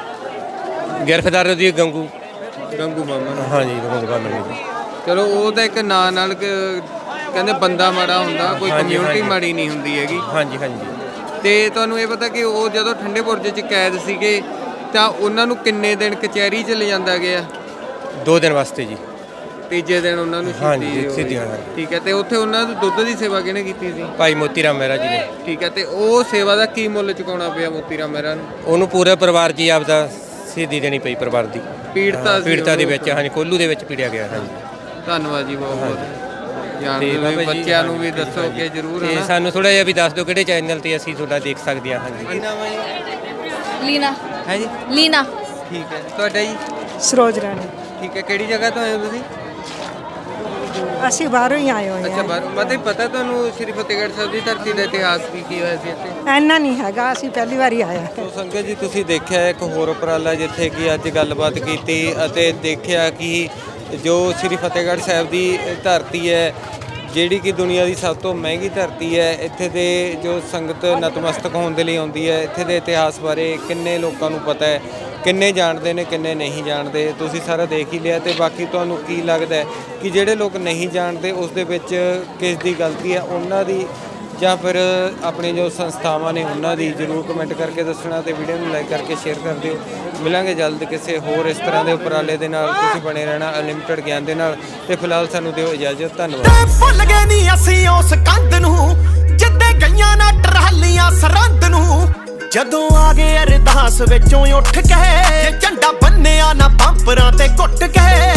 Speaker 2: ਗ੍ਰਿਫਤਾਰ ਦੀ ਗੰਗੂ
Speaker 1: ਗੰਗੂ ਮਾਮਾ।
Speaker 2: ਹਾਂਜੀ ਗੰਗੂ ਬਾਮਣ ਜੀ।
Speaker 1: ਚਲੋ ਉਹ ਤਾਂ ਇੱਕ ਨਾਂ ਨਾਲ ਕ- ਕਹਿੰਦੇ ਬੰਦਾ ਮਾੜਾ ਹੁੰਦਾ, ਕੋਈ
Speaker 2: ਹਾਂਜੀ,
Speaker 1: ਕਮਿਊਨਿਟੀ
Speaker 2: ਹਾਂਜੀ।
Speaker 1: ਮਾੜੀ ਨਹੀਂ ਹੁੰਦੀ ਹੈਗੀ।
Speaker 2: ਹਾਂਜੀ ਹਾਂਜੀ
Speaker 1: ਤੇ ਤੁਹਾਨੂੰ ਇਹ ਪਤਾ ਕਿ ਉਹ ਜਦੋਂ ਠੰਡੇ ਬੁਰਜ 'ਚ ਕੈਦ ਸੀਗੇ ਤਾਂ ਉਹਨਾਂ ਨੂੰ ਕਿੰਨੇ ਦਿਨ ਕਚਹਿਰੀ 'ਚ ਲਿਜਾਂਦਾ ਗਿਆ?
Speaker 2: ਦੋ ਦਿਨ ਵਾਸਤੇ ਜੀ।
Speaker 1: ਤੀਜੇ ਦਿਨ ਉਹਨਾਂ ਨੂੰ
Speaker 2: ਹਾਂਜੀ,
Speaker 1: ਸ਼ਹੀਦੀ ਹੋਈ।
Speaker 2: ਸ਼ਹੀਦੀ ਹੋਈ।
Speaker 1: ਠੀਕ ਹੈ। ਤੇ ਉੱਥੇ ਉਹਨਾਂ ਨੂੰ ਦੁੱਧ ਦੀ ਸੇਵਾ ਕਿਹਨੇ ਕੀਤੀ ਸੀ?
Speaker 2: ਭਾਈ ਮੋਤੀ ਰਾਮ ਮਹਿਰਾ ਜੀ ਨੇ।
Speaker 1: ਠੀਕ ਹੈ। ਤੇ ਉਹ ਸੇਵਾ ਦਾ ਕੀ ਮੁੱਲ ਚੁਕਾਉਣਾ ਪਿਆ ਮੋਤੀ ਰਾਮ ਮਹਿਰਾ ਨੂੰ?
Speaker 2: ਉਹਨੂੰ ਪੂਰੇ ਪਰਿਵਾਰ ਜੀ ਆਪਦਾ ਸ਼ਹੀਦੀ ਦੇਣੀ ਪਈ ਪਰਿਵਾਰ ਦੀ।
Speaker 1: ਪੀੜਤਾ ਸੀ
Speaker 2: ਪੀੜਤਾ ਦੇ
Speaker 1: ਉਹਨੂੰ।
Speaker 2: ਵਿੱਚ ਹਾਂਜੀ ਕੋਲੂ ਦੇ ਵਿੱਚ ਪੀੜਿਆ ਗਿਆ। ਹਾਂਜੀ
Speaker 1: ਧੰਨਵਾਦ ਜੀ ਬਹੁਤ ਬਹੁਤ। ਜਾਣਦੇ
Speaker 2: ਤੇ
Speaker 1: ਹੋਏ
Speaker 2: ਬਾਬਾ ਜੀ,
Speaker 1: ਬੱਚਿਆਂ ਨੂੰ ਵੀ
Speaker 2: ਹਾਂਜੀ,
Speaker 1: ਦੱਸੋ
Speaker 2: ਹਾਂਜੀ।
Speaker 1: ਕਿ ਜ਼ਰੂਰ
Speaker 2: ਤੇ
Speaker 1: ਹੈ ਨਾ।
Speaker 2: ਸਾਨੂੰ ਥੋੜਾ ਜਿਹਾ ਵੀ ਦੱਸ ਦਿਓ ਕਿਹੜੇ ਚੈਨਲ ਤੇ ਅਸੀਂ ਤੁਹਾਡਾ ਦੇਖ ਸਕਦੇ ਹਾਂ। ਹਾਂਜੀ
Speaker 1: ਕੀ ਨਾਮ ਹੈ ਜੀ?
Speaker 8: ਲੀਨਾ।
Speaker 1: ਹੈ ਜੀ?
Speaker 8: ਲੀਨਾ।
Speaker 1: ਠੀਕ ਹੈ। ਤੁਹਾਡਾ ਜੀ?
Speaker 7: ਸਰੋਜ ਰਾਣੀ।
Speaker 1: ਠੀਕ ਹੈ। ਕਿਹੜੀ ਜਗ੍ਹਾ ਤੋਂ ਆਏ ਹੋ ਤੁਸੀਂ?
Speaker 7: ਅਸੀਂ ਬਾਹਰੋਂ ਹੀ ਆਏ ਹੋਏ
Speaker 1: ਅੱਛਾ
Speaker 7: ਹਾਂ।
Speaker 1: ਬਾਹਰ। ਮਤਲਬ ਪਤਾ ਤੁਹਾਨੂੰ ਸ਼੍ਰੀ ਫਤਿਹਗੜ੍ਹ ਸਾਹਿਬ ਦੀ ਧਰਤੀ ਦਾ ਇਤਿਹਾਸ ਕੀ ਕੀ ਹੋਇਆ ਸੀ ਇੱਥੇ?
Speaker 7: ਇੰਨਾ ਨਹੀਂ ਹੈਗਾ, ਅਸੀਂ ਪਹਿਲੀ ਵਾਰੀ ਆਇਆ।
Speaker 1: ਸੋ ਸੰਗਤ ਜੀ ਤੁਸੀਂ ਦੇਖਿਆ ਇੱਕ ਹੋਰ ਉਪਰਾਲਾ ਜਿੱਥੇ ਕਿ ਅੱਜ ਗੱਲਬਾਤ ਕੀਤੀ ਅਤੇ ਦੇਖਿਆ ਕਿ ਜੋ ਸ਼੍ਰੀ ਫਤਿਹਗੜ੍ਹ ਸਾਹਿਬ ਦੀ ਧਰਤੀ ਹੈ, ਜਿਹੜੀ ਕਿ ਦੁਨੀਆ ਦੀ ਸਭ ਤੋਂ ਮਹਿੰਗੀ ਧਰਤੀ ਹੈ, ਇੱਥੇ ਦੇ ਜੋ ਸੰਗਤ ਨਤਮਸਤਕ ਹੋਣ ਦੇ ਲਈ ਆਉਂਦੀ ਹੈ, ਇੱਥੇ ਦੇ ਇਤਿਹਾਸ ਬਾਰੇ ਕਿੰਨੇ ਲੋਕਾਂ ਨੂੰ ਪਤਾ ਹੈ, ਕਿੰਨੇ ਜਾਣਦੇ ਨੇ ਕਿੰਨੇ ਨਹੀਂ ਜਾਣਦੇ, ਤੁਸੀਂ ਸਾਰਾ ਦੇਖ ਹੀ ਲਿਆ। ਤੇ ਬਾਕੀ ਤੁਹਾਨੂੰ ਕੀ ਲੱਗਦਾ ਹੈ ਕਿ ਜਿਹੜੇ ਲੋਕ ਨਹੀਂ ਜਾਣਦੇ ਉਸ ਦੇ ਵਿੱਚ ਕਿਸ ਦੀ ਗਲਤੀ ਹੈ, ਉਹਨਾਂ ਦੀ ਜਾਂ ਫਿਰ ਆਪਣੇ ਜੋ ਸੰਸਥਾਵਾਂ ਨੇ ਉਹਨਾਂ ਦੀ? ਜ਼ਰੂਰ ਕਮੈਂਟ ਕਰਕੇ ਦੱਸਣਾ ਤੇ ਵੀਡੀਓ ਨੂੰ ਲਾਈਕ ਕਰਕੇ ਸ਼ੇਅਰ ਕਰ ਦਿਓ। ਮਿਲਾਂਗੇ ਜਲਦ ਕਿਸੇ ਹੋਰ ਇਸ ਤਰ੍ਹਾਂ ਦੇ ਉਪਰਾਲੇ ਦੇ ਨਾਲ। ਤੁਸੀਂ ਬਣੇ ਰਹਿਣਾ ਅਨਲਿਮਟਿਡ ਗਿਆਨ ਦੇ ਨਾਲ। ਤੇ ਫਿਲਹਾਲ ਸਾਨੂੰ ਦਿਓ ਇਜਾਜ਼ਤ। ਧੰਨਵਾਦ।
Speaker 9: ਭੁੱਲ ਗਏ ਨਹੀਂ ਅਸੀਂ ਉਸ ਕੰਧ ਨੂੰ ਜਿੱਦੇ ਗਈਆਂ ਨਾ ਟਰਾਲੀਆਂ ਸਰਹੰਦ ਨੂੰ। ਜਦੋਂ ਆ ਗਏ ਅਰਦਾਸ ਵਿੱਚੋਂ ਉੱਠ ਕੇ, ਝੰਡਾ ਬੰਨਿਆ ਨਾ ਪੰਪਰਾਂ ਤੇ ਘੁੱਟ ਕੇ।